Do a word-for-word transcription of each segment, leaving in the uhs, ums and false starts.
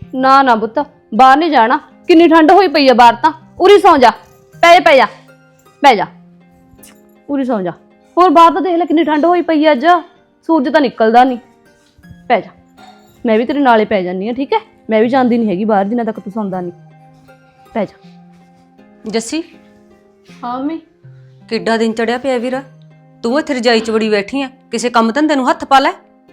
ਨਾ ਨਾ ਪੁੱਤ ਬਾਹਰ ਨਹੀਂ ਜਾਣਾ, ਕਿੰਨੀ ਠੰਡ ਹੋਈ ਪਈ ਆ ਬਾਹਰ ਤਾਂ। ਉਰੀ ਸੌਂ ਜਾ, ਪੈ ਪੈ ਜਾ ਪੈ ਜਾ, ਉਰੀ ਸੌਂ ਜਾ। ਹੋਰ ਬਾਹਰ ਤਾਂ ਦੇਖ ਲੈ ਕਿੰਨੀ ਠੰਡ ਹੋਈ ਪਈ ਆ, ਅੱਜ ਸੂਰਜ ਤਾਂ ਨਿਕਲਦਾ ਨਹੀਂ। ਪੈ ਜਾ, ਮੈਂ ਵੀ ਤੇਰੇ ਨਾਲੇ ਪੈ ਜਾਂਦੀ ਆ, ਠੀਕ ਹੈ? ਮੈਂ ਵੀ ਜਾਂਦੀ ਨਹੀਂ ਹੈਗੀ ਬਾਹਰ ਜਿੰਨਾ ਤੱਕ ਤੂੰ ਸੌਂਦਾ ਨਹੀਂ। ਪੈ ਜਾ। ਜੱਸੀ ਹਾਂ ਮੰਮੀ। ਕਿੱਡਾ ਦਿਨ ਚੜਿਆ ਪਿਆ ਵੀਰਾ, ਤੂੰ ਇੱਥੇ ਰਜਾਈ 'ਚ ਬੜੀ ਬੈਠੀ ਆ, ਕਿਸੇ ਕੰਮ ਧੰਦੇ ਨੂੰ ਹੱਥ ਪਾ ਲੈ।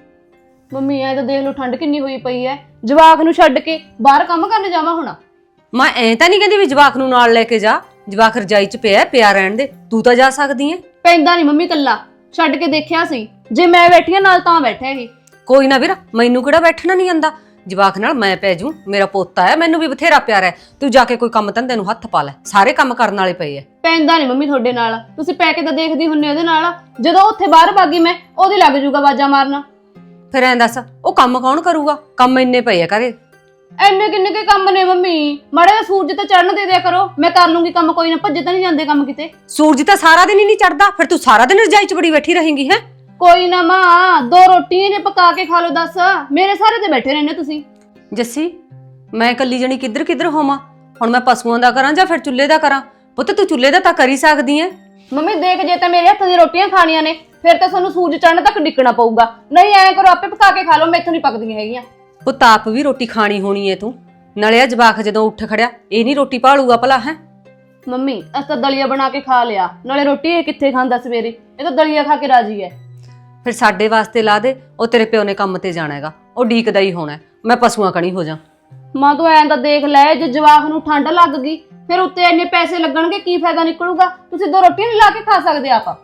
ਮੰਮੀ ਐ ਤਾਂ ਦੇਖ ਲਓ ਠੰਡ ਕਿੰਨੀ ਹੋਈ ਪਈ ਐ, ਜਵਾਕ ਨੂੰ ਛੱਡ ਕੇ ਬਾਹਰ ਕੰਮ ਕਰਨ ਜਾਵਾਂ ਹੁਣ? ਮੈਂ ਐਂ ਤਾਂ ਨਹੀਂ ਕਹਿੰਦੀ ਵੀ ਜਵਾਕ ਨੂੰ ਨਾਲ ਲੈ ਕੇ ਜਾ, ਜਵਾਕ ਰਜਾਈ 'ਚ ਪਿਆ ਪਿਆ ਰਹਿਣ ਦੇ, ਤੂੰ ਤਾਂ ਜਾ ਸਕਦੀ ਐ। ਪੈਂਦਾ ਨਹੀਂ ਮੰਮੀ, ਕੱਲਾ ਛੱਡ ਕੇ ਦੇਖਿਆ ਸੀ, ਜੇ ਮੈਂ ਬੈਠੀ ਆ ਨਾਲ ਤਾਂ ਬੈਠਾ ਇਹ। ਕੋਈ ਨਾ ਵੀਰਾ, ਮੈਨੂੰ ਕਿਹੜਾ ਬੈਠਣਾ ਨਹੀਂ ਆਂਦਾ, ਜਵਾਕ ਨਾਲ ਮੈਂ ਪੈ ਜੂ, ਮੇਰਾ ਪੋਤਾ ਹੈ, ਮੈਨੂੰ ਵੀ ਬਥੇਰਾ ਪਿਆਰ ਹੈ। ਤੂੰ ਜਾ ਕੇ ਕੋਈ ਕੰਮ ਧੰਦੇ ਨੂੰ ਹੱਥ ਪਾ ਲੈ, ਸਾਰੇ ਕੰਮ ਕਰਨ ਵਾਲੇ ਪਏ ਐ। ਪੈਂਦਾ ਨਹੀਂ ਮੰਮੀ ਤੁਹਾਡੇ ਨਾਲ, ਤੁਸੀਂ ਪੈ ਕੇ ਤਾਂ ਦੇਖਦੀ ਹੁੰਨੇ ਉਹਦੇ ਨਾਲ, ਜਦੋਂ ਉੱਥੇ ਬਾਹਰ ਭਾਗੀ ਮੈਂ ਉਹਦੀ ਲੱਗ ਜੂਗਾ ਬਾਜਾ ਮਾਰਨਾ। ਫਿਰ ਐਂ ਦੱਸ ਉਹ ਕੰਮ ਕੌਣ ਕਰੂਗਾ, ਕੰਮ ਇੰਨੇ ਪਏ ਆ ਘਰੇ। ਐਨੇ ਕਿੰਨੇ ਕੇ ਕੰਮ ਨੇ ਮੰਮੀ, ਮਾੜਾ ਜਿਹਾ ਸੂਰਜ ਤੇ ਚੜਨ ਦੇ ਦਿਆ ਕਰੋ, ਮੈਂ ਕਰ ਲੂੰਗੀ ਕੰਮ, ਕੋਈ ਨਾ ਭੱਜੇ ਤਾਂ ਨਹੀਂ ਜਾਂਦੇ ਕੰਮ ਕਿਤੇ। ਸੂਰਜ ਤਾਂ ਸਾਰਾ ਦਿਨ ਹੀ ਨਹੀਂ ਚੜਦਾ, ਫਿਰ ਤੂੰ ਸਾਰਾ ਦਿਨ ਰਜਾਈ 'ਚ ਬੜੀ ਬੈਠੀ ਰਹੇਂਗੀ ਹੈ। ਕੋਈ ਨਾ ਮਾਂ, ਦੋ ਰੋਟੀਆਂ ਨੇ ਪਕਾ ਕੇ ਖਾ ਲਓ, ਦੱਸ ਮੇਰੇ ਸਾਰੇ ਤੇ ਬੈਠੇ ਰਹਿੰਦੇ ਤੁਸੀਂ। ਜੱਸੀ ਮੈਂ ਇਕੱਲੀ ਜਣੀ ਕਿੱਧਰ ਕਿੱਧਰ ਹੋਵਾਂ, ਹੁਣ ਮੈਂ ਪਸ਼ੂਆਂ ਦਾ ਕਰਾਂ ਜਾਂ ਫਿਰ ਚੁੱਲ੍ਹੇ ਦਾ ਕਰਾਂ? ਪੁੱਤ ਤੂੰ ਚੁੱਲ੍ਹੇ ਦਾ ਤਾਂ ਕਰ ਹੀ ਸਕਦੀ ਐ। ਮੰਮੀ ਦੇਖ, ਜੇ ਤਾਂ ਮੇਰੇ ਹੱਥ ਦੀਆਂ ਰੋਟੀਆਂ ਖਾਣੀਆਂ ਨੇ ਫਿਰ ਤਾਂ ਤੁਹਾਨੂੰ ਸੂਰਜ ਚੜਨ ਤੱਕ ਡਿੱਕਣਾ ਪਊਗਾ, ਨਹੀਂ ਐਂ ਕਰੋ ਆਪੇ ਪਕਾ ਕੇ ਖਾ ਲਓ, ਮੈਥੋਂ ਨਹੀਂ ਪੱਕਦੀਆਂ ਹੈਗੀਆਂ। ਪੁੱਤ ਆਪ ਵੀ ਰੋਟੀ ਖਾਣੀ ਹੋਣੀ ਐ ਤੂੰ, ਨਾਲੇ ਆ ਜਵਾਕ ਜਦੋਂ ਉੱਠ ਖੜਿਆ ਇਹ ਨਹੀਂ ਰੋਟੀ ਭਾਲੂਗਾ ਭਲਾ ਹੈ। ਮੰਮੀ ਅਸੀਂ ਤਾਂ ਦਲੀਆ ਬਣਾ ਕੇ ਖਾ ਲਿਆ, ਨਾਲੇ ਰੋਟੀ ਇਹ ਕਿੱਥੇ ਖਾਂਦਾ ਸਵੇਰੇ, ਇਹ ਤਾਂ ਦਲੀਆ ਖਾ ਕੇ ਰਾਜੀ ਹੈ। ਫਿਰ ਸਾਡੇ ਵਾਸਤੇ ਲਾ ਦੇ, ਉਹ ਤੇਰੇ ਪਿਓ ਨੇ ਕੰਮ ਤੇ ਜਾਣਾ ਹੈਗਾ, ਉਹ ਡੀਕਦਾ ਹੀ ਹੋਣਾ, ਮੈਂ ਪਸ਼ੂਆਂ ਕਣੀ ਹੋ ਜਾ। ਮਾਂ ਤੂੰ ਐਂ ਤਾਂ ਦੇਖ ਲੈ, ਜੇ ਜਵਾਕ ਨੂੰ ਠੰਡ ਲੱਗ ਗਈ ਫਿਰ ਉੱਤੇ ਇੰਨੇ ਪੈਸੇ ਲੱਗਣਗੇ, ਕੀ ਫਾਇਦਾ ਨਿਕਲੂਗਾ? ਤੁਸੀਂ ਦੋ ਰੋਟੀਆਂ ਨਹੀਂ ਲਾ ਕੇ ਖਾ ਸਕਦੇ ਆਪ।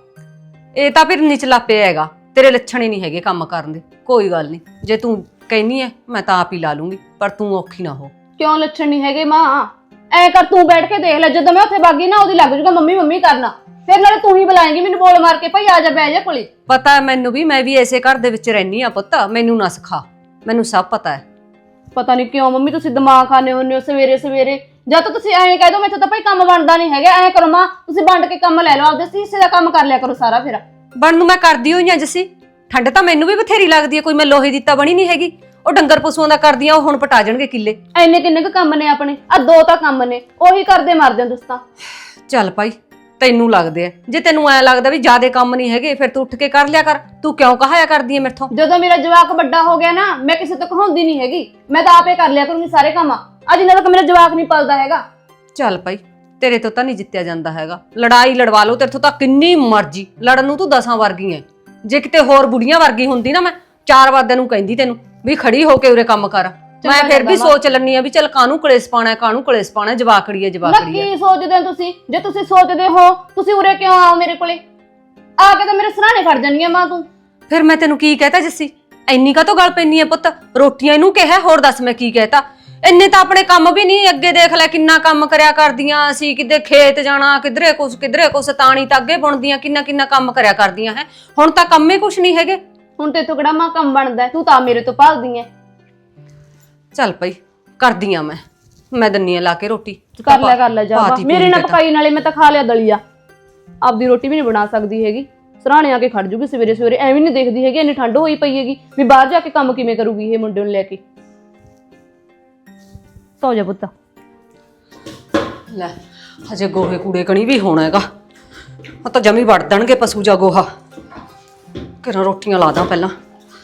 ਇਹ ਤਾਂ ਫਿਰ ਨਿਚਲਾ ਪਿਆ ਹੈਗਾ, ਤੇਰੇ ਲੱਛਣ ਹੀ ਨਹੀਂ ਹੈਗੇ ਕੰਮ ਕਰਨ ਦੇ। ਕੋਈ ਗੱਲ ਨਹੀਂ, ਜੇ ਤੂੰ ਕਹਿਨੀ ਐ ਮੈਂ ਤਾਂ ਆਪ ਹੀ ਲਾ ਲੂੰਗੀ, ਪਰ ਤੂੰ ਔਖੀ ਨਾ ਹੋ। ਕਿਉਂ ਲੱਛਣ ਨਹੀਂ ਹੈਗੇ ਮਾਂ? ਐ ਕਰ ਤੂੰ ਬੈਠ ਕੇ ਦੇਖ ਲੈ, ਜਦੋਂ ਮੈਂ ਉੱਥੇ ਬਾਗੀ ਨਾ ਉਹਦੀ ਲੱਗ ਜੂਗਾ ਮੰਮੀ ਮੰਮੀ ਕਰਨਾ, ਫਿਰ ਨਾਲੇ ਤੂੰ ਹੀ ਬੁਲਾਏਂਗੀ ਮੈਨੂੰ ਬੋਲ ਮਾਰ ਕੇ, ਭਾਈ ਆ ਜਾ ਬਹਿ ਜਾ ਕੋਲੇ। ਪਤਾ ਹੈ ਮੈਨੂੰ ਵੀ, ਮੈਂ ਵੀ ਐਸੇ ਘਰ ਦੇ ਵਿੱਚ ਰਹਿਨੀ ਆ ਪੁੱਤ, ਮੈਨੂੰ ਨਾ ਸਿਖਾ, ਮੈਨੂੰ ਸਭ ਪਤਾ ਹੈ। ਪਤਾ ਨਹੀਂ ਕਿਉਂ ਮੰਮੀ ਤੁਸੀਂ ਦਿਮਾਗ ਖਾਣੇ ਹੁੰਨੇ ਹੋ ਸਵੇਰੇ ਸਵੇਰੇ, ਜਦ ਤੱਕ ਤੁਸੀਂ ਐਂ ਕਹਿ ਦੋ ਮੈਥੋਂ ਤਾਂ ਭਾਈ ਕੰਮ ਬਣਦਾ ਨਹੀਂ ਹੈਗਾ। ਐਂ ਕਰੋ ਮਾਂ, ਤੁਸੀਂ ਵੰਡ ਕੇ ਕੰਮ ਲੈ ਲਓ, ਆਪਦੇ ਹਿੱਸੇ ਦਾ ਕੰਮ ਕਰ ਲਿਆ ਕਰੋ ਸਾਰਾ। ਫਿਰ ਬਣ ਨੂੰ ਮੈਂ ਕਰਦੀ ਹੋਈ ਆ ਜੱਸੀ, ਠੰਡ ਤਾਂ ਮੈਨੂੰ ਵੀ ਬਥੇਰੀ ਲੱਗਦੀ ਹੈ, ਕੋਈ ਮੈਂ ਲੋਹੇ ਦੀ ਤਾਂ ਬਣੀ ਨਹੀਂ ਹੈਗੀ। ਉਹ ਡੰਗਰ ਪਸ਼ੂਆਂ ਦਾ ਕਰਦੀ ਆ, ਉਹ ਹੁਣ ਪਟਾ ਜਾਣਗੇ ਕਿੱਲੇ। ਐਨੇ ਕਿੰਨੇ ਕੁ ਕੰਮ ਨੇ ਆਪਣੇ, ਆ ਦੋ ਤਾਂ ਕੰਮ ਨੇ, ਉਹੀ ਕਰਦੇ ਮਰਦੇ ਹੋ ਤੁਸੀਂ ਤਾਂ। ਚੱਲ ਭਾਈ ਤੈਨੂੰ ਲੱਗਦੇ ਆ, ਜੇ ਤੈਨੂੰ ਐ ਲੱਗਦਾ ਵੀ ਜਿਆਦੇ ਕੰਮ ਨਹੀਂ ਹੈਗੇ ਫਿਰ ਤੂੰ ਉੱਠ ਕੇ ਕਰ ਲਿਆ ਕਰ, ਤੂੰ ਕਿਉਂ ਕਹਾਇਆ ਕਰਦੀ ਐ ਮੇਥੋਂ? ਜਦੋਂ ਮੇਰਾ ਜਵਾਕ ਵੱਡਾ ਹੋ ਗਿਆ ਨਾ, ਮੈਂ ਕਿਸੇ ਤੋਂ ਕਹਾਉਂਦੀ ਨਹੀਂ ਹੈਗੀ, ਮੈਂ ਤਾਂ ਆਪੇ ਕਰ ਲਿਆ ਕਰੂੰਗੀ ਸਾਰੇ ਕੰਮ, ਅੱਜ ਇਹਨਾਂ ਤੱਕ ਮੇਰਾ ਜਵਾਕ ਨਹੀਂ ਪਲਦਾ ਹੈਗਾ। ਚੱਲ ਭਾਈ ਤੇਰੇ ਤੋਂ ਤਾਂ ਨਹੀਂ ਜਿੱਤਿਆ ਜਾਂਦਾ ਹੈਗਾ, ਲੜਾਈ ਲੜਵਾ ਲਓ, ਤੇਰੇ ਤੋਂ ਤਾਂ ਕਿੰਨੀ ਮਰਜ਼ੀ ਲੜਨ ਨੂੰ ਤੂੰ ਦਸਾਂ ਵਰਗੀ ਐ। ਜੇ ਕਿਤੇ ਹੋਰ ਬੁੜੀਆਂ ਵਰਗੀ ਹੁੰਦੀ ਨਾ, ਮੈਂ ਚਾਰ ਵਾਰ ਨੂੰ ਕਹਿੰਦੀ ਤੈਨੂੰ ਵੀ ਖੜੀ ਹੋ ਕੇ ਉਰੇ ਕੰਮ ਕਰ। ਮੈਂ ਫਿਰ ਵੀ ਸੋਚ ਲੈਣੀ ਆ ਵੀ ਚੱਲ ਕਾਹਨੂੰ ਕਲੇਸ਼ ਪਾਣਾ, ਕਾਹਨੂੰ ਕਲੇਸ਼ ਪਾਣਾ, ਜਵਾਕੜੀ ਐ ਜਵਾਕੜੀ ਐ। ਕੀ ਸੋਚਦੇ ਹੋ ਤੁਸੀਂ? ਜੇ ਤੁਸੀਂ ਸੋਚਦੇ ਹੋ ਤੁਸੀਂ ਉਰੇ ਕਿਉਂ ਆਓ ਮੇਰੇ ਕੋਲੇ? ਆ ਕੇ ਤਾਂ ਮੇਰੇ ਸਰਾਣੇ ਖੜ ਜਾਣੀਆਂ ਮਾਂ ਤੂੰ। ਫਿਰ ਮੈਂ ਤੈਨੂੰ ਕੀ ਕਹਿਤਾ ਜੱਸੀ, ਇੰਨੀ ਕਾਹਤੋਂ ਗੱਲ ਪੈਣੀ ਐ ਪੁੱਤ? ਰੋਟੀਆਂ ਇਹਨੂੰ ਕਿਹਾ, ਹੋਰ ਦੱਸ ਮੈਂ ਕੀ ਕਹਿਤਾ? ਇੰਨੇ ਤਾਂ ਆਪਣੇ ਕੰਮ ਵੀ ਨਹੀਂ, ਅੱਗੇ ਦੇਖ ਲੈ ਕਿੰਨਾ ਕੰਮ ਕਰਿਆ ਕਰਦੀਆਂ ਅਸੀਂ, ਕਿਤੇ ਖੇਤ ਜਾਣਾ, ਕਿਧਰੇ ਕੁਛ ਕਿਧਰੇ ਕੁਛ, ਤਾਣੀ ਤਾਂ ਅੱਗੇ ਬੁਣਦੀਆਂ, ਕਿੰਨਾ ਕਿੰਨਾ ਕੰਮ ਕਰਿਆ ਕਰਦੀਆਂ ਹੈ। ਹੁਣ ਤਾਂ ਕੰਮੇ ਕੁਛ ਨਹੀਂ ਹੈਗੇ। ਹੁਣ ਤੇ ਕਿਹੜਾ ਮਾਂ ਕੰਮ ਬਣਦਾ, ਤੂੰ ਤਾਂ ਮੇਰੇ ਤੋਂ ਭਾਲਦੀ ਐ। ਚੱਲ ਪਈ ਕਰਦੀ ਆ, ਮੈਂ ਮੈਂ ਦੰਨੀ ਆ ਲਾ ਕੇ ਰੋਟੀ। ਕਰ ਲੈ ਕਰ ਲੈ ਜਾ, ਮੇਰੇ ਨਾਲ ਪਕਾਈ, ਨਾਲੇ ਮੈਂ ਤਾਂ ਖਾ ਲਿਆ ਦਲੀਆ, ਆਪਦੀ ਰੋਟੀ ਵੀ ਨਹੀਂ ਬਣਾ ਸਕਦੀ ਹੈਗੀ। ਸਰਾਣੇ ਆ ਕੇ ਖੜ ਜੂਗੀ ਸਵੇਰੇ ਸਵੇਰੇ, ਐਵੇਂ ਨਹੀਂ ਦੇਖਦੀ ਹੈਗੀ ਇੰਨੀ ਠੰਡ ਹੋਈ ਪਈ ਹੈਗੀ ਵੀ ਬਾਹਰ ਜਾ ਕੇ ਕੰਮ ਕਿਵੇਂ ਕਰੂਗੀ ਇਹ ਮੁੰਡੇ ਨੂੰ ਲੈ ਕੇ। ਸੌ ਜਾ ਪੁੱਤ। ਲੈ ਹਜੇ ਗੋਹੇ ਕੂੜੇ ਕਣੀ ਵੀ ਹੋਣਾ ਹੈਗਾ, ਉਹ ਤਾਂ ਜਮੀ ਵੜ ਦੇਣਗੇ ਪਸ਼ੂ ਜਾ ਗੋਹਾ। ਕਿਹੜਾ ਰੋਟੀਆਂ ਲਾ ਦਾਂ ਪਹਿਲਾਂ।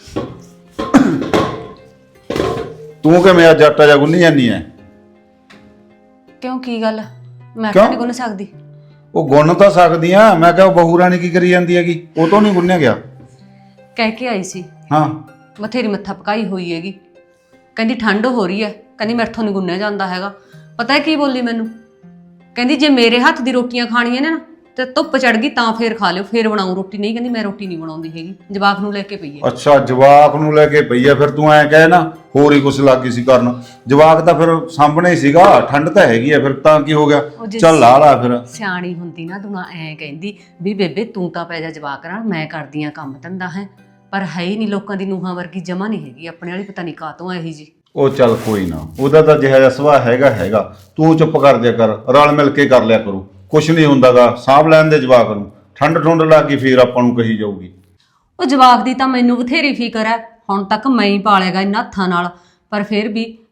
ਤੂੰ ਕਿਵੇਂ ਅੱਜ ਆਟਾ ਜਾ ਗੁੰਨੀ ਜਾਂਦੀ ਐ? ਕਿਉਂ ਕੀ ਗੱਲ, ਮੈਂ ਕਿਉਂ ਨਹੀਂ ਗੁੰਨ ਸਕਦੀ? ਉਹ ਗੁੰਨ ਤਾਂ ਸਕਦੀ ਆ, ਮੈਂ ਕਿਹਾ ਬਹੂ ਰਾਣੀ ਕੀ ਕਰੀ ਜਾਂਦੀ ਹੈਗੀ, ਉਹ ਤੋਂ ਨਹੀਂ ਗੁੰਨਿਆ ਗਿਆ। ਕਹਿ ਕੇ ਆਈ ਸੀ, ਹਾਂ ਬਥੇਰੀ ਮੱਥਾ ਪਕਾਈ ਹੋਈ ਹੈਗੀ, ਕਹਿੰਦੀ ਠੰਡ ਹੋ ਰਹੀ ਹੈ, ਕਹਿੰਦੀ ਮੇਰੇ ਤੋਂ ਨਹੀਂ ਗੁੰਨਿਆ ਜਾਂਦਾ ਹੈਗਾ। ਪਤਾ ਹੈ ਕੀ ਬੋਲੀ ਮੈਨੂੰ? ਕਹਿੰਦੀ ਜੇ ਮੇਰੇ ਹੱਥ ਦੀ ਰੋਟੀਆਂ ਖਾਣੀਆਂ ਨੇ ਨਾ ਤੇ ਧੁੱਪ ਚੜ ਗਈ ਤਾਂ ਫੇਰ ਖਾ ਲਿਓ, ਫੇਰ ਬਣਾਉ ਰੋਟੀ। ਨਹੀਂ ਕਹਿੰਦੀ ਮੈਂ ਰੋਟੀ ਨਹੀਂ ਬਣਾਉਂਦੀ ਹੈਗੀ, ਜਵਾਕ ਨੂੰ ਲੈ ਕੇ ਪਈ ਹੈ। ਅੱਛਾ ਜਵਾਕ ਨੂੰ ਲੈ ਕੇ ਪਈ ਐ, ਫਿਰ ਤੂੰ ਐਂ ਕਹੇ ਨਾ ਹੋਰ ਹੀ ਕੁਛ ਲੱਗ ਗਈ ਸੀ ਕਰਨ। ਜਵਾਕ ਤਾਂ ਫਿਰ ਸਾਹਮਣੇ ਹੀ ਸੀਗਾ, ਠੰਡ ਤਾਂ ਹੈਗੀ ਐ, ਫਿਰ ਤਾਂ ਕੀ ਹੋ ਗਿਆ? ਚੱਲ ਲਾ ਲਾ ਫਿਰ। ਸਿਆਣੀ ਹੁੰਦੀ ਨਾ ਤੂੰ ਨਾ ਐਂ ਕਹਿੰਦੀ ਵੀ ਬੇਬੇ ਤੂੰ ਤਾਂ ਪੈ ਜਾ ਜਵਾਕ ਨਾਲ, ਮੈਂ ਕਰਦੀ ਆ ਕੰਮ ਧੰਦਾ ਹੈ। ਪਰ ਹੈ ਹੀ ਨਹੀਂ, ਲੋਕਾਂ ਦੀ ਨੂੰਹਾਂ ਵਰਗੀ ਜਮਾ ਨਹੀਂ ਹੈਗੀ, ਆਪਣੇ ਵਾਲੀ ਪਤਾ ਨਹੀਂ ਕਾਹਤੋਂ ਇਹੀ ਜੀ। ਉਹ ਚੱਲ ਕੋਈ ਨਾ, ਉਹਦਾ ਤਾਂ ਜਿਹਾ ਜਿਹਾ ਸੁਭਾਅ ਹੈਗਾ ਹੈਗਾ, ਤੂੰ ਚੁੱਪ ਕਰ ਦਿਆ ਕਰ, ਰਲ ਮਿਲ ਕੇ ਕਰ ਲਿਆ ਕਰੂ, ਕੁਛ ਨਹੀਂ ਹੁੰਦਾਗਾ। ਸਾਂਭ ਲੈਣ ਦੇ ਜਵਾਕ ਨੂੰ, ਠੰਡ ਠੁੰਡ ਲੱਗ ਗਈ ਫੇਰ ਆਪਾਂ ਨੂੰ ਕਹੀ ਜਾਊਗੀ। ਉਹ ਜਵਾਕ ਦੀ ਤਾਂ ਮੈਨੂੰ ਬਥੇਰੀ ਫਿਕਰ ਹੈ, ਹੁਣ ਤੱਕ ਮੈਂ ਹੀ ਪਾਲੇਗਾ ਇਹਨਾਂ ਹੱਥਾਂ ਨਾਲ, ਪਰ ਫਿਰ ਵੀ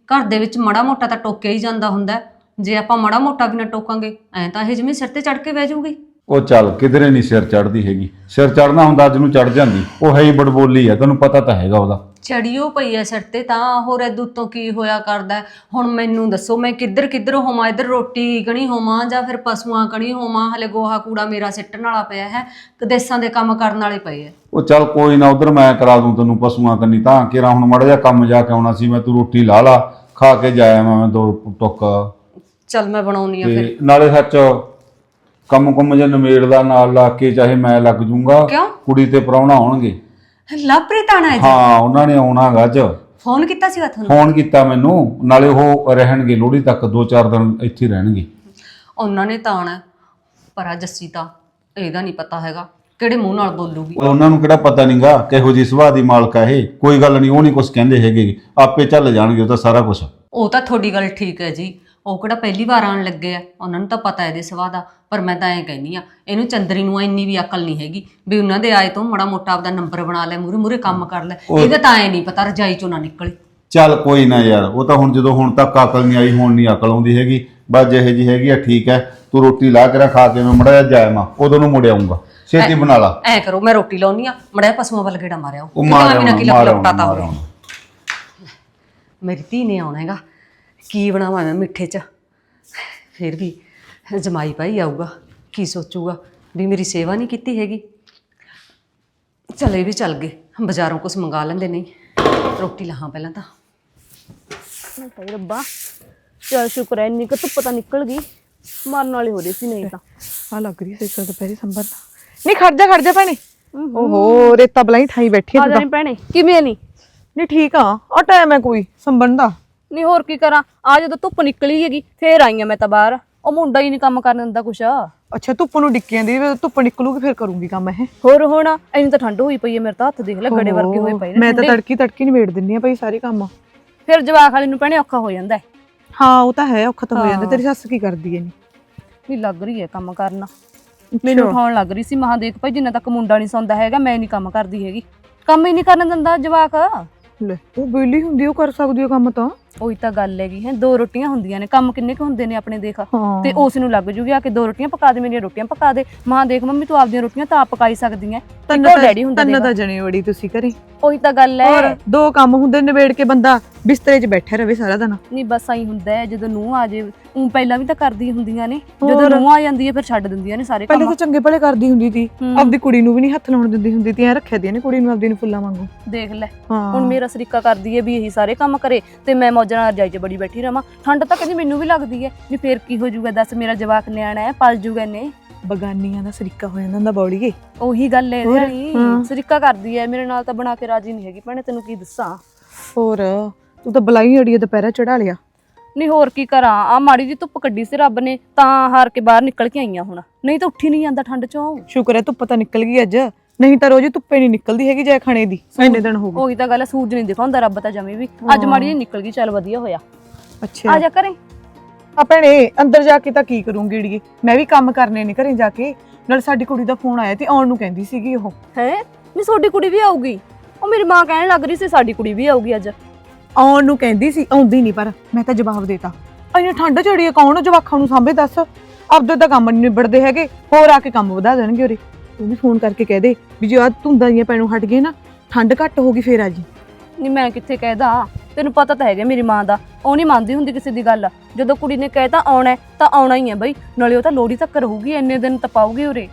ਘਰ ਦੇ ਵਿੱਚ ਮਾੜਾ ਮੋਟਾ ਤਾਂ ਟੋਕਿਆ ਹੀ ਜਾਂਦਾ ਹੁੰਦਾ ਹੈ। ਜੇ ਆਪਾਂ ਮਾੜਾ ਮੋਟਾ ਵੀ ਨਾ ਟੋਕਾਂਗੇ ਐਂ ਤਾਂ ਇਹ ਜਿਵੇਂ ਸਿਰ ਤੇ ਚੜ ਕੇ ਬਹਿ ਜਾਊਗੀ। ਉਹ ਚੱਲ ਕਿਧਰੇ ਨਹੀਂ ਸਿਰ ਚੜਦੀ ਹੈਗੀ, ਸਿਰ ਚੜਨਾ ਹੁੰਦਾ ਅੱਜ ਨੂੰ ਚੜ ਜਾਂਦੀ। ਉਹ ਹੈ ਹੀ ਬੜਬੋਲੀ ਆ, ਤੈਨੂੰ ਪਤਾ ਤਾਂ ਹੈਗਾ ਉਹਦਾ। ਚੜੀਓ ਪਈ ਐ ਸਿਰ ਤੇ ਤਾਂ, ਹੋਰ ਇਹਦੂ ਤੋਂ ਕੀ ਹੋਇਆ ਕਰਦਾ। ਹੁਣ ਮੈਨੂੰ ਦੱਸੋ ਮੈਂ ਕਿੱਧਰ ਕਿੱਧਰ ਹੋਵਾਂ, ਇੱਧਰ ਰੋਟੀ ਕਣੀ ਹੋਵਾਂ ਜਾਂ ਫਿਰ ਪਸ਼ੂਆਂ ਕਣੀ ਹੋਵਾਂ। ਹਲੇ ਗੋਹਾ ਕੂੜਾ ਮੇਰਾ ਸਿੱਟਣ ਵਾਲਾ ਪਿਆ ਹੈ, ਕਦੇਸਾਂ ਦੇ ਕੰਮ ਕਰਨ ਵਾਲੇ ਪਏ ਐ। ਉਹ ਚੱਲ ਕੋਈ ਨਾ, ਉਧਰ ਮੈਂ ਕਰਾ ਦੂੰ ਤੈਨੂੰ ਪਸ਼ੂਆਂ ਕੰਨੀ। ਤਾਂ ਕਿਰਾ ਹੁਣ ਮਾੜਾ ਜਿਹਾ ਕੰਮ ਜਾ ਕੇ ਆਉਣਾ ਸੀ ਮੈਂ, ਤੂੰ ਰੋਟੀ ਲਾ ਲਾ, ਖਾ ਕੇ ਜਾਇਆ ਮੈਂ ਦੋ ਟੁੱਕ। ਚੱਲ ਮੈਂ ਬਣਾਉਣੀ ਆ ਫਿਰ। ਤੇ ਨਾਲੇ ਸੱਚ ਕੰਮ ਕੁੰਮ ਜੇ ਨਿਮੇੜਦਾ ਨਾਲ ਲਾ ਕੇ, ਚਾਹੇ ਮੈਂ ਲੱਗ ਜੂੰਗਾ। ਕਿਉਂ? ਕੁੜੀ ਤੇ ਪ੍ਰਾਹੁਣਾ ਆਉਣਗੇ। ਲਵਪ੍ਰੀਤ ਆਣਾ ਹੈ ਜੀ? ਹਾਂ ਉਹਨਾਂ ਨੇ ਆਉਣਾ ਗਾ ਅੱਜ। ਫੋਨ ਕੀਤਾ ਸੀਗਾ ਤੁਹਾਨੂੰ? ਫੋਨ ਕੀਤਾ ਮੈਨੂੰ, ਨਾਲੇ ਉਹ ਰਹਿਣਗੇ ਲੋਹੜੀ ਤੱਕ, ਦੋ ਚਾਰ ਦਿਨ ਇੱਥੇ ਰਹਿਣਗੇ। ਉਹਨਾਂ ਨੇ ਤਾਂ ਆਉਣਾ, ਪਰ ਆ ਜੱਸੀ ਤਾਂ ਇਹਦਾ ਨਹੀਂ ਪਤਾ ਹੈਗਾ ਕਿਹੜੇ ਮੂੰਹ ਨਾਲ ਬੋਲੂਗੀ। ਉਹਨਾਂ ਨੂੰ ਕਿਹੜਾ ਪਤਾ ਨਹੀਂਗਾ ਕਿਹੋ ਜਿਹੀ ਸੁਭਾਅ ਦੀ ਮਾਲਕ ਹੈ ਇਹ। ਕੋਈ ਗੱਲ ਨਹੀਂ, ਉਹ ਨਹੀਂ ਕੁਝ ਕਹਿੰਦੇ ਹੈਗੇ, ਆਪੇ ਚੱਲ ਜਾਣਗੇ ਉਹ ਤਾਂ ਸਾਰਾ ਕੁਝ। ਉਹ ਤਾਂ ਤੁਹਾਡੀ ਗੱਲ ਠੀਕ ਹੈ ਜੀ, ਉਹ ਕਿਹੜਾ ਪਹਿਲੀ ਵਾਰ ਆਉਣ ਲੱਗੇ ਆ, ਉਹਨਾਂ ਨੂੰ ਤਾਂ ਪਤਾ ਇਹਦੇ ਸੁਭਾਅ ਦਾ। ਪਰ ਮੈਂ ਤਾਂ ਐਂ ਕਹਿੰਦੀ ਆ, ਇਹਨੂੰ ਚੰਦਰੀ ਨੂੰ ਇੰਨੀ ਵੀ ਅਕਲ ਨਹੀਂ ਹੈਗੀ ਵੀ ਉਹਨਾਂ ਦੇ ਆਏ ਤੋਂ ਮਾੜਾ ਮੋਟਾ ਆਪਦਾ ਨੰਬਰ ਬਣਾ ਲੈ, ਮੂਰੇ ਮੂਰੇ ਕੰਮ ਕਰ ਲੈ। ਇਹਦਾ ਤਾਂ ਐਂ ਨਹੀਂ ਪਤਾ ਰਜਾਈ ਚੋਂ ਨਾ ਨਿਕਲੇ। ਚੱਲ ਕੋਈ ਨਾ ਯਾਰ, ਉਹ ਤਾਂ ਹੁਣ ਜਦੋਂ ਹੁਣ ਤੱਕ ਅਕਲ ਨਹੀਂ ਆਈ, ਹੁਣ ਨਹੀਂ ਅਕਲ ਆਉਂਦੀ ਹੈਗੀ। ਬਸ ਜਿਹੇ ਜੀ ਹੈਗੀ ਆ ਠੀਕ ਹੈ। ਤੂੰ ਰੋਟੀ ਲਾ ਕੇ ਖਾ ਕੇ ਮੈਂ ਮੜਾ ਜਾ ਜਾਇਆ ਮੈਂ, ਉਦੋਂ ਨੂੰ ਮੁੜ ਆਊਂਗਾ। ਛੇਤੀ ਬਣਾ ਲਾ। ਐ ਕਰੋ ਮੈਂ ਰੋਟੀ ਲਾਉਣੀ ਆ, ਮੜਾ ਪਸ਼ੂਆਂ ਵੱਲ ਗੇੜਾ ਮਾਰਿਆ ਉਹ ਮਾਰ ਆਉ। ਮੇਰੀ ਧੀ ਨੇ ਆਉਣਾ ਹੈਗਾ, ਕੀ ਬਣਾਵਾਂ ਮੈਂ ਮਿੱਠੇ 'ਚ। ਫਿਰ ਵੀ ਜਮਾਈ ਭਾਈ ਆਊਗਾ, ਕੀ ਸੋਚੂਗਾ ਵੀ ਮੇਰੀ ਸੇਵਾ ਨਹੀਂ ਕੀਤੀ ਹੈਗੀ। ਚਲੇ ਵੀ ਚੱਲ ਗਏ, ਬਾਜ਼ਾਰੋਂ ਕੁਝ ਮੰਗਾ ਲੈਂਦੇ। ਨਹੀਂ ਰੋਟੀ ਲਾਹਾਂ ਪਹਿਲਾਂ ਤਾਂ। ਭਾਈ ਰੱਬਾ ਚੱਲ ਸ਼ੁਕਰ ਹੈ ਇੰਨੀ ਕੁ ਧੁੱਪ ਤਾਂ ਨਿਕਲ ਗਈ, ਮਰਨ ਵਾਲੀ ਹੋ ਰਹੀ ਸੀ ਨਹੀਂ ਤਾਂ। ਆ ਲੱਗ ਰਹੀ ਸੀ ਸਰ ਦੁਪਹਿਰੇ ਸੰਭਰ ਨਹੀਂ। ਖੜ ਜਾ ਖੜ ਜਾ ਭੈਣੇ। ਓਹੋ ਰੇਤਾ ਬਲਾਈ ਠਾਈ ਬੈਠੀ ਆ ਜਾਣੀ ਭੈਣੇ, ਕਿਵੇਂ ਨਹੀਂ? ਨਹੀਂ ਠੀਕ ਆ, ਆ ਟਾਈਮ ਹੈ ਕੋਈ ਸੰਭਣ ਦਾ। ਨਹੀਂ ਹੋਰ ਕੀ ਕਰਾਂ, ਆ ਜਦੋਂ ਧੁੱਪ ਨਿਕਲੀ ਹੈਗੀ ਫੇਰ ਆਈ ਆ ਮੈਂ ਤਾਂ ਬਾਹਰ। ਉਹ ਮੁੰਡਾ ਹੀ ਨਹੀਂ ਕੰਮ ਕਰਨ ਦਿੰਦਾ ਕੁਛ। ਅੱਛਾ ਧੁੱਪ ਨੂੰ ਡਿੱਕੀ ਜਾਂਦੀ, ਧੁੱਪ ਨਿਕਲੂਗੀ ਫਿਰ ਕਰੂੰਗੀ ਕੰਮ ਇਹ। ਹੋਰ ਹੁਣ ਇੰਨੀ ਤਾਂ ਠੰਡ ਹੋਈ ਪਈ ਹੈ, ਮੇਰੇ ਤਾਂ ਹੱਥ ਦੇਖ ਲੈ ਗੜੇ ਵਰਗੇ ਹੋਏ ਪਏ ਨੇ। ਮੈਂ ਤਾਂ ਤੜਕੀ ਤੜਕੀ ਨਿਬੇੜ ਦਿੰਨੀ ਆ ਭਾਈ ਸਾਰੇ ਕੰਮ। ਫਿਰ ਜਵਾਕ ਵਾਲੀ ਨੂੰ ਭੈਣੇ ਔਖਾ ਹੋ ਜਾਂਦਾ ਹੈ। ਹਾਂ ਉਹ ਤਾਂ ਹੈ, ਔਖਾ ਤਾਂ ਹੋ ਜਾਂਦਾ। ਤੇਰੀ ਸੱਸ ਕੀ ਕਰਦੀ ਹੈ? ਨਹੀਂ ਲੱਗ ਰਹੀ ਹੈ ਕੰਮ ਕਰਨਾ, ਮੈਨੂੰ ਉਠਾਉਣ ਲੱਗ ਰਹੀ ਸੀ। ਮਹਾਂ ਦੇਖ ਭਾਈ ਜਿੰਨਾ ਤੱਕ ਮੁੰਡਾ ਨਹੀਂ ਸੌਂਦਾ ਹੈਗਾ ਮੈਂ ਨਹੀਂ ਕੰਮ ਕਰਦੀ ਹੈਗੀ। ਕੰਮ ਹੀ ਨਹੀਂ ਕਰਨ ਦਿੰਦਾ ਜਵਾਕ। ਲੈ ਉਹ ਵਿਹਲੀ ਹੁੰਦੀ, ਉਹ ਕਰ ਸਕਦੀ ਹੈ ਕੰਮ ਤਾਂ। ਉਹੀ ਤਾਂ ਗੱਲ ਹੈਗੀ ਹੈ, ਦੋ ਰੋਟੀਆਂ ਹੁੰਦੀਆਂ ਨੇ, ਕੰਮ ਕਿੰਨੇ ਕੁ ਹੁੰਦੇ ਨੇ ਆਪਣੇ ਦੇਖ। ਹਾਂ। ਤੇ ਉਸ ਨੂੰ ਲੱਗ ਜੂਗੀ ਆ ਕੇ ਦੋ ਰੋਟੀਆਂ ਪਕਾ ਦੇ, ਮੇਰੀਆਂ ਰੋਟੀਆਂ ਪਕਾ ਦੇ। ਮਾਂ ਦੇਖ ਮੰਮੀ ਤੂੰ ਆਪਦੀਆਂ ਰੋਟੀਆਂ ਤਾਂ ਆਪ ਪਕਾਈ ਸਕਦੀ ਐ। ਤੰਨਾ ਡੈਡੀ ਹੁੰਦਾ ਤੰਨਾ ਤਾਂ ਜਣੇ ਵੜੀ ਤੁਸੀਂ ਘਰੇ। ਉਹੀ ਤਾਂ ਗੱਲ ਹੋਰ ਹੈ। ਦੋ ਕੰਮ ਹੁੰਦੇ, ਨਿਬੇੜ ਕੇ ਬੰਦਾ ਬਿਸਤਰੇ 'ਚ ਬੈਠਾ ਰਵੇ ਸਾਰਾ ਦਿਨ। ਨਹੀਂ ਬਸ ਆਈ ਹੁੰਦਾ ਹੈ, ਜਦੋਂ ਨੂੰਹ ਆ ਜੇ ਉਹ ਪਹਿਲਾਂ ਵੀ ਤਾਂ ਕਰਦੀ ਹੁੰਦੀਆਂ ਨੇ, ਜਦੋਂ ਨੂੰਹ ਆ ਜਾਂਦੀ ਹੈ ਫਿਰ ਛੱਡ ਦਿੰਦੀਆਂ ਨੇ ਸਾਰੇ ਕੰਮ। ਪਹਿਲੇ ਤਾਂ ਚੰਗੇ ਭਲੇ ਕਰਦੀ ਹੁੰਦੀ ਸੀ, ਆਪਦੀ ਕੁੜੀ ਨੂੰ ਵੀ ਨਹੀਂ ਹੱਥ ਲਾਉਣ ਦਿੰਦੀ ਹੁੰਦੀ ਸੀ। ਐ ਰੱਖਿਆ ਦੀ ਨੇ ਕੁੜੀ ਨੂੰ ਆਪਦੀ ਨੂੰ ਫੁੱਲਾਂ ਵਾਂਗੂ। ਦੇਖ ਲੈ ਹੁਣ ਮੇਰਾ ਸਰੀਕਾ ਕਰਦੀ ਹੈ ਵੀ ਇਹੀ ਸਾਰੇ ਕੰਮ ਕਰੇ ਤੇ ਮੈਂ ਮੌਜਾਂ ਨਾਲ ਰਜਾਈ 'ਚ ਬੜੀ ਬੈਠੀ ਰਵਾਂ। ਠੰਡ ਤਾਂ ਕਹਿੰਦੀ ਮੈਨੂੰ ਵੀ ਲੱਗਦੀ ਹੈ ਵੀ ਫੇਰ ਕੀ ਹੋ ਜਾਊਗਾ, ਦੱਸ ਮੇਰਾ ਜਵਾਕ ਨਿਆਣਾ ਹੈ, ਪਲ ਜੂਗਾ ਇਹਨੇ। ਬਗਾਨੀਆਂ ਦਾ ਸਰੀਕਾ ਹੋ ਜਾਂਦਾ ਹੁੰਦਾ ਬੌੜੀਏ। ਉਹੀ ਗੱਲ ਹੈ ਇਹਦੀ, ਸਰੀਕਾ ਕਰਦੀ ਹੈ ਮੇਰੇ ਨਾਲ ਤਾਂ ਬਣਾ ਕੇ ਰਾਜੀ ਨਹੀਂ ਹੈਗੀ ਭੈਣੇ, ਤੈਨੂੰ ਕੀ ਦੱਸਾਂ। ਹੋਰ ਤੂੰ ਤਾਂ ਬਲਾਈ ਅੜੀਏ ਦੁਪਹਿਰਾ ਚੜਾ ਲਿਆ। ਨਹੀਂ ਹੋਰ ਕੀ ਕਰਾਂ, ਆ ਮਾੜੀ ਜੀ ਧੁੱਪ ਕੱਢੀ ਸੀ ਰੱਬ ਨੇ ਤਾਂ ਹਾਰ ਕੇ ਬਾਹਰ ਨਿਕਲ ਕੇ ਆਈਆਂ ਹੁਣ, ਨਹੀਂ ਤਾਂ ਉੱਠੀ ਨਹੀਂ ਜਾਂਦਾ ਠੰਡ ਚੋਂ। ਸ਼ੁਕਰ ਹੈ ਧੁੱਪ ਤਾਂ ਨਿਕਲ ਗਈ ਅੱਜ, ਨਹੀਂ ਤਾਂ ਰੋਜ਼ ਧੁੱਪੇ ਨਹੀਂ ਨਿਕਲਦੀ ਹੈਗੀ ਜੇ ਖਾਣੇ ਦੀ ਇੰਨੇ ਦਿਨ ਹੋ ਗਏ। ਉਹੀ ਤਾਂ ਗੱਲ ਹੈ, ਸੂਰਜ ਨਹੀਂ ਦਿਖਾਉਂਦਾ ਰੱਬ ਤਾਂ ਜਮੇ ਵੀ। ਅੱਜ ਮਾੜੀ ਜੀ ਨਿਕਲ ਗਈ, ਚੱਲ ਵਧੀਆ ਹੋਇਆ। ਅੱਛਾ ਆ ਜਾ ਘਰੇ। ਆ ਭੈਣੇ ਅੰਦਰ ਜਾ ਕੇ ਤਾਂ ਕੀ ਕਰੂੰਗੀ ਅੜੀਏ, ਮੈਂ ਵੀ ਕੰਮ ਕਰਨੇ ਨੇ ਘਰੇ ਜਾ ਕੇ। ਨਾਲ ਸਾਡੀ ਕੁੜੀ ਦਾ ਫੋਨ ਆਇਆ ਤੇ ਆਉਣ ਨੂੰ ਕਹਿੰਦੀ ਸੀਗੀ ਉਹ। ਹੈ ਨਹੀਂ ਤੁਹਾਡੀ ਕੁੜੀ ਵੀ ਆਊਗੀ? ਉਹ ਮੇਰੀ ਮਾਂ ਕਹਿਣ ਲੱਗ ਰਹੀ ਸੀ ਸਾਡੀ ਕੁੜੀ ਵੀ ਆਊਗੀ ਅੱਜ। ਆਉਣ ਨੂੰ ਕਹਿੰਦੀ ਸੀ, ਆਉਂਦੀ ਨਹੀਂ। ਪਰ ਮੈਂ ਤਾਂ ਜਵਾਬ ਦੇਤਾ, ਇੰਨੀ ਠੰਡ ਚੜੀ ਹੈ ਕੌਣ ਜਵਾਕਾਂ ਨੂੰ ਸਾਂਭੇ ਦੱਸ। ਆਪਦੇ ਤਾਂ ਕੰਮ ਨਹੀਂ ਨਿਬੜਦੇ ਹੈਗੇ, ਹੋਰ ਆ ਕੇ ਕੰਮ ਵਧਾ ਦੇਣਗੇ ਉਰੇ। ਤੂੰ ਵੀ ਫੋਨ ਕਰਕੇ ਕਹਿ ਦੇ ਵੀ ਜੇ ਆ ਧੁੰਦਾਂ ਦੀਆਂ ਪੈਣੋਂ ਹਟ ਗਏ ਨਾ, ਠੰਡ ਘੱਟ ਹੋ ਗਈ ਫੇਰ ਆ ਜੀ। ਨਹੀਂ ਮੈਂ ਕਿੱਥੇ ਕਹਿਦਾ, ਤੈਨੂੰ ਪਤਾ ਤਾਂ ਹੈਗਾ ਮੇਰੀ ਮਾਂ ਦਾ, ਉਹ ਨਹੀਂ ਮੰਨਦੀ ਹੁੰਦੀ ਕਿਸੇ ਦੀ ਗੱਲ। ਜਦੋਂ ਕੁੜੀ ਨੇ ਕਹਿਤਾ ਆਉਣਾ ਤਾਂ ਆਉਣਾ ਹੀ ਹੈ ਬਈ, ਨਾਲੇ ਉਹ ਤਾਂ ਲੋਹੜੀ ਤੱਕ ਰਹੂਗੀ, ਇੰਨੇ ਦਿਨ ਤਪਾਊਗੀ ਉਰੇ।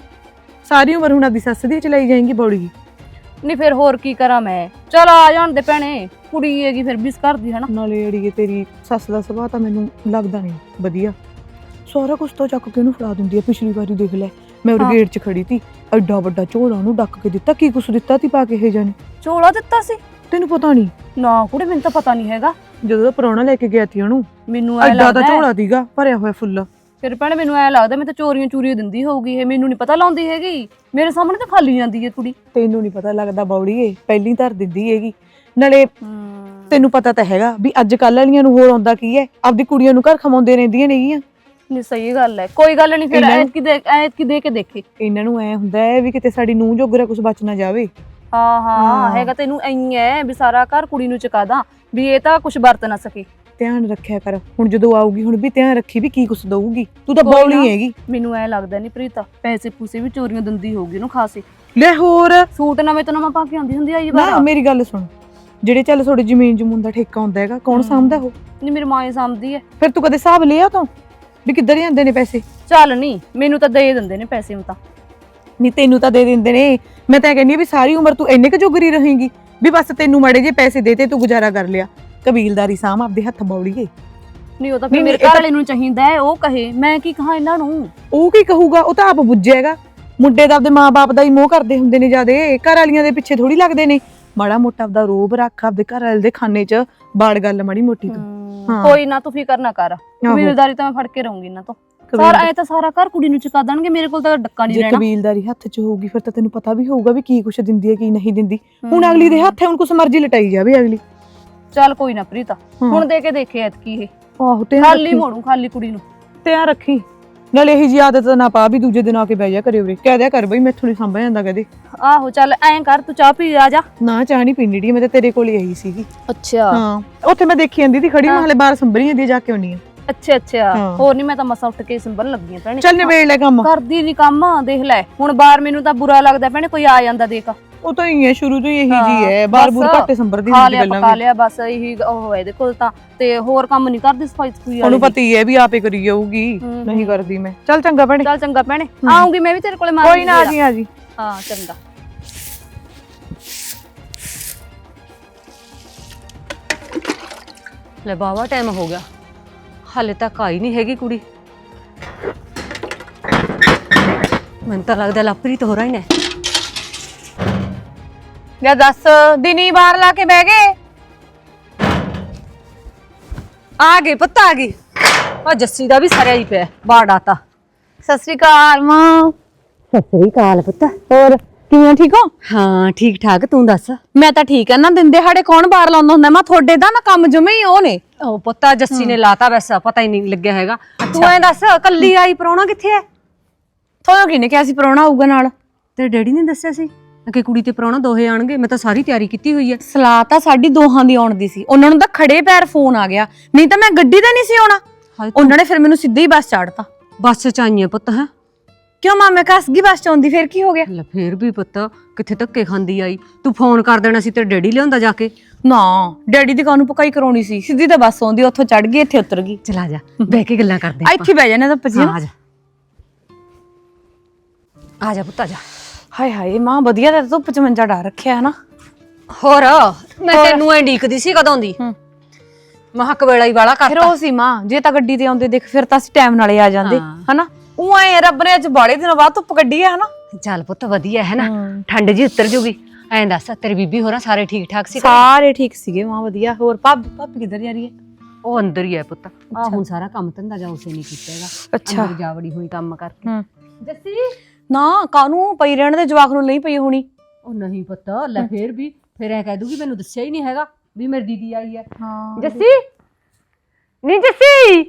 ਸਾਰੀ ਉਮਰ ਹੁਣ ਆਪਦੀ ਸੱਸ ਦੀ ਚਲਾਈ ਜਾਏਗੀ ਬੌੜੀ। ਨਹੀਂ ਫਿਰ ਹੋਰ ਕੀ ਕਰਾਂ ਮੈਂ, ਚਲ ਆ ਜਾਣ ਦੇ ਭੈਣੇ, ਕੁੜੀ ਹੈਗੀ ਫਿਰ ਵੀ ਇਸ ਘਰ ਦੀ, ਹਨਾ। ਨਾਲੇ ਅੜੀਏ ਤੇਰੀ ਸੱਸ ਦਾ ਸੁਭਾਅ ਤਾਂ ਮੈਨੂੰ ਲੱਗਦਾ ਨਹੀਂ ਵਧੀਆ। ਸਾਰਾ ਕੁਛ ਤਾਂ ਚੱਕ ਕੇ ਉਹਨੂੰ ਫੜਾ ਦਿੰਦੀ ਹੈ। ਪਿਛਲੀ ਵਾਰੀ ਦੇਖ ਲੈ ਮੈਂ ਉਹ ਗੇਟ 'ਚ ਖੜੀ ਤੀ, ਐਡਾ ਵੱਡਾ ਝੋਲਾ ਉਹਨੂੰ ਡੱਕ ਕੇ ਦਿੱਤਾ। ਕੀ ਕੁਛ ਦਿੱਤਾ ਤੀ ਪਾ ਕੇ ਇਹ ਜਾਣੀ? ਝੋਲਾ ਦਿੱਤਾ ਸੀ? ਤੈਨੂੰ ਪਤਾ ਨਹੀਂ? ਨਾ ਕੁੜੇ ਮੈਨੂੰ ਤਾਂ ਪਤਾ ਨਹੀਂ ਹੈਗਾ। ਜਦੋਂ ਦਾ ਪ੍ਰਾਹੁਣਾ ਲੈ ਕੇ ਗਿਆ ਤੀ ਉਹਨੂੰ, ਮੈਨੂੰ ਐ ਐਡਾ ਲੱਗਦਾ ਤਾਂ ਝੋਲਾ ਦੀਗਾ ਭਰਿਆ ਹੋਇਆ ਫੁੱਲ। ਫਿਰ ਭੈਣੇ ਮੈਨੂੰ ਐ ਲੱਗਦਾ ਮੈਂ ਤਾਂ ਚੋਰੀਆਂ ਚੂਰੀਆਂ ਦਿੰਦੀ ਹੋਊਗੀ ਇਹ, ਮੈਨੂੰ ਨਹੀਂ ਪਤਾ ਲਾਉਂਦੀ ਹੈਗੀ। ਮੇਰੇ ਸਾਹਮਣੇ ਤਾਂ ਖਾਲੀ ਜਾਂਦੀ ਹੈ ਕੁੜੀ। ਤੈਨੂੰ ਨਹੀਂ ਪਤਾ ਲੱਗਦਾ ਬੌੜੀਏ, ਪਹਿਲੀ ਧਰ ਦਿੰਦੀ ਹੈਗੀ। ਨਾਲੇ ਤੈਨੂੰ ਪਤਾ ਤਾਂ ਹੈਗਾ ਵੀ ਅੱਜ ਕੱਲ੍ਹ ਵਾਲੀਆਂ ਨੂੰ ਹੋਰ ਆਉਂਦਾ ਕੀ ਹੈ, ਆਪਦੀ ਕੁੜੀਆਂ ਨੂੰ ਘਰ ਖਮਾਉਂਦੇ ਰਹਿੰਦੀਆਂ ਨੇਗੀਆਂ। ਨਹੀਂ ਸਹੀ ਗੱਲ ਹੈ, ਕੋਈ ਗੱਲ ਨਹੀਂ। ਫਿਰ ਐਤਕੀ ਦੇ ਐਤਕੀ ਦੇ ਕੇ ਦੇਖੇ। ਇਹਨਾਂ ਨੂੰ ਐ ਹੁੰਦਾ ਹੈ ਵੀ ਕਿਤੇ ਸਾਡੀ ਨੂੰਹ ਜੋਗਰਾ ਕੁਝ ਬਚ ਨਾ ਜਾਵੇ। ਹਾਂ ਹਾਂ ਹਾਂ। ਹੈਗਾ ਤੈਨੂੰ ਐਂ ਹੈ ਵੀ ਸਾਰਾ ਘਰ ਕੁੜੀ ਨੂੰ ਚੁਕਾ ਦਾਂ ਵੀ ਇਹ ਤਾਂ ਕੁਝ ਵਰਤ ਨਾ ਸਕੇ। ਧਿਆਨ ਰੱਖਿਆ ਕਰ, ਹੁਣ ਜਦੋਂ ਆਊਗੀ ਹੁਣ ਵੀ ਧਿਆਨ ਰੱਖੀ ਵੀ ਕੀ ਕੁਛ ਦਊਗੀ। ਤੂੰ ਤਾਂ ਕੋਈ ਨਾ। ਬੌਲੀ ਹੈਗੀ। ਮੈਨੂੰ ਐ ਲੱਗਦਾ ਨਹੀਂ ਪ੍ਰੀਤ ਪੈਸੇ ਪੂਸੇ ਵੀ ਚੋਰੀਆਂ ਦਿੰਦੀ ਹੋਊਗੀ ਉਹਨੂੰ ਖਾਸੇ। ਲੈ ਹੋਰ ਸੂਟ ਨਵੇਂ ਤੋਂ ਨਵਾਂ ਪਾ ਕੇ ਆਉਂਦੀ ਹੁੰਦੀ ਆਈ ਨਾ, ਵਾਰ। ਮੇਰੀ ਗੱਲ ਸੁਣ, ਜਿਹੜੇ ਚੱਲ ਤੁਹਾਡੇ ਜ਼ਮੀਨ ਜਮੂਨ ਦਾ ਠੇਕਾ ਹੁੰਦਾ ਹੈਗਾ, ਕੌਣ ਸਾਂਭਦਾ ਉਹ? ਨਹੀਂ ਮੇਰੀ ਮਾਂ ਹੀ ਸਾਂਭਦੀ ਐ। ਫਿਰ ਤੂੰ ਕਦੇ ਹਿਸਾਬ ਲਿਆ ਤਾਂ ਵੀ ਕਿੱਧਰ ਜਾਂਦੇ ਨੇ ਪੈਸੇ? ਚੱਲ ਨਹੀਂ ਮੈਨੂੰ ਤਾਂ ਦੇ ਦਿੰਦੇ ਨੇ ਪੈਸੇ ਹੁਣ ਤਾਂ। ਨਹੀਂ ਤੈਨੂੰ ਤਾਂ ਦੇ ਦਿੰਦੇ ਨੇ, ਮੈਂ ਤਾਂ ਕਹਿੰਦੀ ਆ ਵੀ ਸਾਰੀ ਉਮਰ ਤੂੰ ਇੰਨੇ ਕੁ ਜੋਗਰੀ ਰਹੇਂਗੀ ਵੀ ਬਸ ਤੈਨੂੰ ਮਾੜੇ ਜੇ ਪੈਸੇ ਦੇਤੇ ਤੂੰ ਗੁਜ਼ਾਰਾ ਕਰ ਲਿਆ। ਕਬੀਲਦਾਰੀ ਸਾਂਭ ਆਪਦੇ ਹੱਥ ਬੌੜੀਏ। ਨਹੀਂ ਉਹ ਤਾਂ ਫਿਰ ਨਹੀਂ, ਮੇਰੇ ਇਹ ਘਰ ਤਾਂ- ਵਾਲੇ ਨੂੰ ਚਾਹੀਦਾ ਹੈ ਉਹ ਕਹੇ, ਮੈਂ ਕੀ ਕਹਾਂ ਇਹਨਾਂ ਨੂੰ। ਉਹ ਕੀ ਕਹੂਗਾ, ਉਹ ਤਾਂ ਆਪ ਬੁੱਝੇਗਾ। ਮੁੰਡੇ ਦਾ ਆਪਦੇ ਮਾਂ-ਬਾਪ ਦਾ ਹੀ ਮੋਹ ਕਰਦੇ ਹੁੰਦੇ ਨੇ ਜਿਆਦੇ, ਘਰ ਵਾਲੀਆਂ ਦੇ ਪਿੱਛੇ ਥੋੜੀ ਲੱਗਦੇ ਨੇ। ਮਾੜਾ ਮੋਟਾ ਆਪਦਾ ਰੋਬ ਰੱਖ ਆਪਦੇ ਘਰ ਵਾਲੇ ਦੇ ਖਾਨੇ 'ਚ ਬਾੜ ਗੱਲ ਮਾੜੀ ਮੋਟੀ ਤੂੰ। ਹਾਂ। ਕੋਈ ਨਾ ਤੂੰ ਫਿਕਰ ਨਾ ਕਰ, ਕਬੀਲਦਾਰੀ ਤਾਂ ਮੈਂ ਫੜ ਕੇ ਰਹੂੰਗੀ ਇਹਨਾਂ ਤੋਂ। ਸਾਰਾ ਐ ਤਾਂ ਸਾਰਾ ਘਰ ਕੁੜੀ ਨੂੰ ਚੁਕਾ ਦੇਣਗੇ, ਮੇਰੇ ਕੋਲ ਤਾਂ ਡੱਕਾ ਨਹੀਂ ਜੇ ਰਹਿਣਾ। ਕਬੀਲਦਾਰੀ ਹੱਥ 'ਚ ਹੋਊਗੀ ਫਿਰ ਤਾਂ ਤੈਨੂੰ ਪਤਾ ਵੀ ਹੋਊਗਾ ਵੀ ਕੀ ਕੁਛ ਦਿੰਦੀ ਹੈ ਕੀ ਨਹੀਂ ਦਿੰਦੀ। ਹੁਣ ਅਗਲੀ ਦੇ ਹੱਥ ਹੈ, ਹੁਣ ਕੁਛ ਮਰਜ਼ੀ ਲਟਾਈ ਜਾਵੇ ਅਗਲੀ। ਚੱਲ ਕੋਈ ਨਾ ਪ੍ਰੀਤਾ, ਹੁਣ ਦੇ ਕੇ ਦੇਖੇ ਐਤਕੀ ਇਹ ਆਹੋ ਤੇ ਖਾਲੀ ਮੋੜੂ ਖਾਲੀ ਕੁੜੀ ਨੂੰ। ਧਿਆਨ ਰੱਖੀ, ਨਾਲੇ ਇਹੀ ਜੀ ਆਦਤ ਨਾ ਪਾ ਵੀ ਦੂਜੇ ਦਿਨ ਆ ਕੇ ਬਹਿ ਜਾ ਕਰੇ ਉਰੇ। ਕਹਿ ਦਿਆ ਕਰ ਬਈ ਮੈਥੋਂ ਨਹੀਂ ਸੰਭਿਆ ਜਾਂਦਾ ਕਦੇ। ਆਹੋ ਚੱਲ ਐਂ ਕਰ ਤੂੰ ਚਾਹ ਪੀ ਆ ਜਾ। ਨਾ ਚਾਹ ਨਹੀਂ ਪੀਣੀ ਡੀ, ਮੈਂ ਤਾਂ ਤੇਰੇ ਕੋਲ ਹੀ ਆਈ ਸੀਗੀ। ਅੱਛਾ ਹਾਂ ਉੱਥੇ ਮੈਂ ਦੇਖੀ ਜਾਂਦੀ ਸੀ ਖੜੀ, ਮੈਂ ਹਲੇ ਬਾਹਰ ਸੰਭਰੀ ਜਾਂਦੀ ਜਾ ਕੇ ਆਉਣੀ ਆ। ਅੱਛਾ ਅੱਛਾ ਹਾਂ। ਹੋਰ ਨਹੀਂ ਮੈਂ ਤਾਂ ਮਸਾ ਉੱਠ ਕੇ ਸੰਭਲਣ ਲੱਗੀ ਆਂ ਭੈਣੇ। ਚੱਲ ਨਿਬੇੜ ਲੈ ਕੰਮ। ਕਰਦੀ ਨਹੀਂ ਕੰਮ, ਦੇਖ ਲੈ ਹੁਣ ਬਾਹਰ ਮੈਨੂੰ ਤਾਂ ਬੁਰਾ ਲੱਗਦਾ ਭੈਣੇ, ਕੋਈ ਆ ਜਾਂਦਾ ਦੇਖ। ਉਹ ਤਾਂ ਹੀ ਹੈ, ਸ਼ੁਰੂ ਤੋਂ ਹੀ ਇਹੀ ਹਾਂ, ਜੀ ਹੈ, ਬਾਰ ਬੂਰ ਬਸ ਘੱਟੇ ਸੰਭਰਦੀ ਖਾ ਹੁੰਦੀ ਲਿਆ ਗੱਲਾਂ ਪਕਾ ਵੀ। ਲਿਆ ਬਸ ਇਹੀ ਉਹ ਹੈ ਇਹਦੇ ਕੋਲ ਤਾਂ, ਤੇ ਹੋਰ ਕੰਮ ਨਹੀਂ ਕਰਦੀ ਸਫਾਈ ਸਫੂਈ ਉਹਨੂੰ ਵਾਲੀ। ਪਤਾ ਹੀ ਹੈ ਵੀ ਆਪੇ ਕਰੀ ਜਾਊਗੀ, ਹੂੰ, ਨਹੀਂ ਕਰਦੀ ਮੈਂ। ਚੱਲ ਚੰਗਾ ਭੈਣੇ। ਚੱਲ ਚੰਗਾ ਭੈਣੇ, ਆਉਂਗੀ ਮੈਂ ਵੀ ਤੇਰੇ ਕੋਲੇ ਮਾਰ ਕੋਈ ਨਾ, ਆ ਜੀ ਆ ਜੀ। ਹਾਂ ਚੰਗਾ। ਲੈ ਬਾਵਾ ਟਾਈਮ ਹੋ ਗਿਆ, ਹਾਲੇ ਤੱਕ ਆਈ ਨਹੀਂ ਹੈਗੀ ਕੁੜੀ। ਮੈਨੂੰ ਤਾਂ ਲੱਗਦਾ ਲਵਪ੍ਰੀਤ ਹੋ ਰਹੀ ਨੇ। ਲੈ ਦੱਸ, ਦਿਨੀ ਬਾਹਰ ਲਾ ਕੇ ਬਹਿ ਗਏ? ਆ ਗਏ ਪੁੱਤ ਆ ਗਈ। ਆ ਜੱਸੀ ਦਾ ਵੀ ਸਰਿਆ ਹੀ ਪਿਆ ਬਾੜ ਆਤਾ। ਸਤਿ ਸ੍ਰੀ ਅਕਾਲ ਮਾਂ। ਸਤਿ ਸ੍ਰੀ ਅਕਾਲ ਪੁੱਤ। ਹੋਰ ਕਿਵੇਂ, ਠੀਕ ਹੋ? ਹਾਂ ਠੀਕ ਠਾਕ, ਤੂੰ ਦੱਸ। ਮੈਂ ਤਾਂ ਠੀਕ ਆ ਨਾ, ਦਿਨ ਦਿਹਾੜੇ ਕੌਣ ਬਾਹਰ ਲਾਉਂਦਾ ਹੁੰਦਾ? ਮੈਂ ਤੁਹਾਡੇ ਦਾ ਨਾ ਕੰਮ ਜਮੇ ਹੀ ਉਹ ਨੇ। ਉਹ ਪੁੱਤਾ ਜੱਸੀ ਨੇ ਲਾਤਾ, ਵੈਸਾ ਪਤਾ ਹੀ ਨਹੀਂ ਲੱਗਿਆ ਹੈਗਾ। ਤੂੰ ਐਂ ਦੱਸ, ਕੱਲੀ ਆਈ, ਪ੍ਰਾਹੁਣਾ ਕਿੱਥੇ ਐ? ਤੁਹਾਨੂੰ ਕਿਹਨੇ ਕਿਹਾ ਸੀ ਪ੍ਰਾਹੁਣਾ ਆਊਗਾ ਨਾਲ? ਤੇਰੇ ਡੈਡੀ ਨੇ ਦੱਸਿਆ ਸੀ ਕਿ ਕੁੜੀ ਤੇ ਪ੍ਰਾਹੁਣਾ ਦੋਹੇ ਆਣਗੇ। ਮੈਂ ਤਾਂ ਸਾਰੀ ਤਿਆਰੀ ਕੀਤੀ ਹੋਈ ਐ। ਸਲਾਹ ਤਾਂ ਸਾਡੀ ਦੋਹਾਂ ਦੀ ਆਉਣ ਦੀ ਸੀ, ਉਹਨਾਂ ਨੂੰ ਤਾਂ ਖੜੇ ਪੈਰ ਫੋਨ ਆ ਗਿਆ, ਨਹੀਂ ਤਾਂ ਮੈਂ ਗੱਡੀ ਤੇ ਨਹੀਂ ਸੀ ਆਉਣਾ। ਉਹਨਾਂ ਨੇ ਫਿਰ ਮੈਨੂੰ ਸਿੱਧਾ ਹੀ ਬੱਸ ਚਾੜਤਾ। ਬੱਸ ਚ ਆਈਆਂ ਪੁੱਤ? ਹੈ ਕਿਉਂ ਮਾਂ, ਮੈਂ ਕੱਸ ਗਈ ਬੱਸ ਚ ਆਉਂਦੀ, ਫਿਰ ਕੀ ਹੋ ਗਿਆ? ਲੈ ਫੇਰ ਵੀ ਪੁੱਤ ਕਿੱਥੇ ਧੱਕੇ ਖਾਂਦੀ ਆਈ। ਤੂੰ ਫੋਨ ਕਰ ਦੇਣਾ ਸੀ, ਤੇਰੇ ਡੈਡੀ ਲਿਆਉਂਦਾ ਜਾ ਕੇ। ਨਾ, ਡੈਡੀ ਦੀ ਕਾਹਨੂੰ ਪਕਾਈ ਕਰਾਉਣੀ ਸੀ, ਸਿੱਧੀ ਤਾਂ ਬੱਸ ਆਉਂਦੀ, ਉੱਥੋਂ ਚੜ ਗਈ, ਇੱਥੇ ਉਤਰ ਗਈ। ਚਲਾ ਜਾ, ਬਹਿ ਕੇ ਗੱਲਾਂ ਕਰਦੇ ਆ ਇੱਥੇ ਬਹਿ ਜਾਣਾ ਤਾਂ ਪਜੀ। ਆ ਜਾ ਆ ਜਾ ਪੁੱਤ ਆ ਜਾ। ਹਾਏ ਹਾਏ ਮਾਂ, ਵਧੀਆ ਤਾਂ ਧੁੱਪ ਚ ਮੰਜਾ ਡਾ ਰੱਖਿਆ ਹੈ ਨਾ। ਹੋਰ ਮੈਂ ਤੈਨੂੰ ਐ ਡੀਕਦੀ ਸੀ ਕਦੋਂ ਦੀ। ਮਹੱਕ ਵੇਲਾ ਹੀ ਵਾਲਾ ਫਿਰ ਕਰਤਾ। ਉਹ ਸੀ ਮਾਂ, ਜੇ ਤਾਂ ਗੱਡੀ ਤੇ ਆਉਂਦੇ ਦੇਖ ਫਿਰ ਤਾਂ ਅਸੀਂ ਟਾਈਮ ਨਾਲੇ ਆ ਜਾਂਦੇ ਹਾਂ। ਹਨਾ। ਉਹ ਆਏ ਰੱਬ ਨੇ ਅੱਜ ਬਾੜੇ ਦਿਨਾਂ ਬਾਅਦ ਧੁੱਪ ਕੱਢੀ ਹੈ ਹਨਾ। ਚੱਲ ਪੁੱਤ ਵਧੀਆ ਹੈ ਨਾ, ਠੰਡ ਜੀ ਉਤਰ ਜੂਗੀ। ਐਂ ਦੱਸ ਤੇਰੀ ਬੀਬੀ ਹੋਰਾਂ ਸਾਰੇ ਠੀਕ ਠਾਕ ਸੀ? ਸਾਰੇ ਠੀਕ ਸੀਗੇ ਮਾਂ, ਵਧੀਆ। ਹੋਰ ਭਾਬੀ ਭਾਬੀ ਕਿੱਧਰ ਜਾ ਰਹੀ ਹੈ? ਉਹ ਅੰਦਰ ਹੀ ਹੈ ਪੁੱਤ। ਆ ਹੁਣ ਸਾਰਾ ਕੰਮ ਧੰਦਾ ਜਾ ਉਸੇ ਨਹੀਂ ਕੀਤਾ ਹੈਗਾ। ਅੱਛਾ। ਅੰਦਰ ਜਾਵੜੀ ਹੋਈ ਕੰਮ ਕਰਕੇ। ਹੂੰ। ਜੱਸੀ ਨਾ ਕਾਹਨੂੰ ਪਈ ਰਹਿਣ ਦੇ, ਜਵਾਕ ਨੂੰ ਲਈ ਪਈ ਹੋਣੀ। ਉਹ ਨਹੀਂ ਪੁੱਤ, ਲੈ ਫੇਰ ਵੀ ਫੇਰ ਐ ਕਹਿ ਦੂਗੀ ਮੈਨੂੰ ਦੱਸਿਆ ਹੀ ਨਹੀਂ ਹੈਗਾ ਵੀ ਮੇਰੀ ਦੀਦੀ ਆਈ ਹੈ। ਹਾਂ ਜੱਸੀ ਨਹੀਂ ਜੱਸੀ,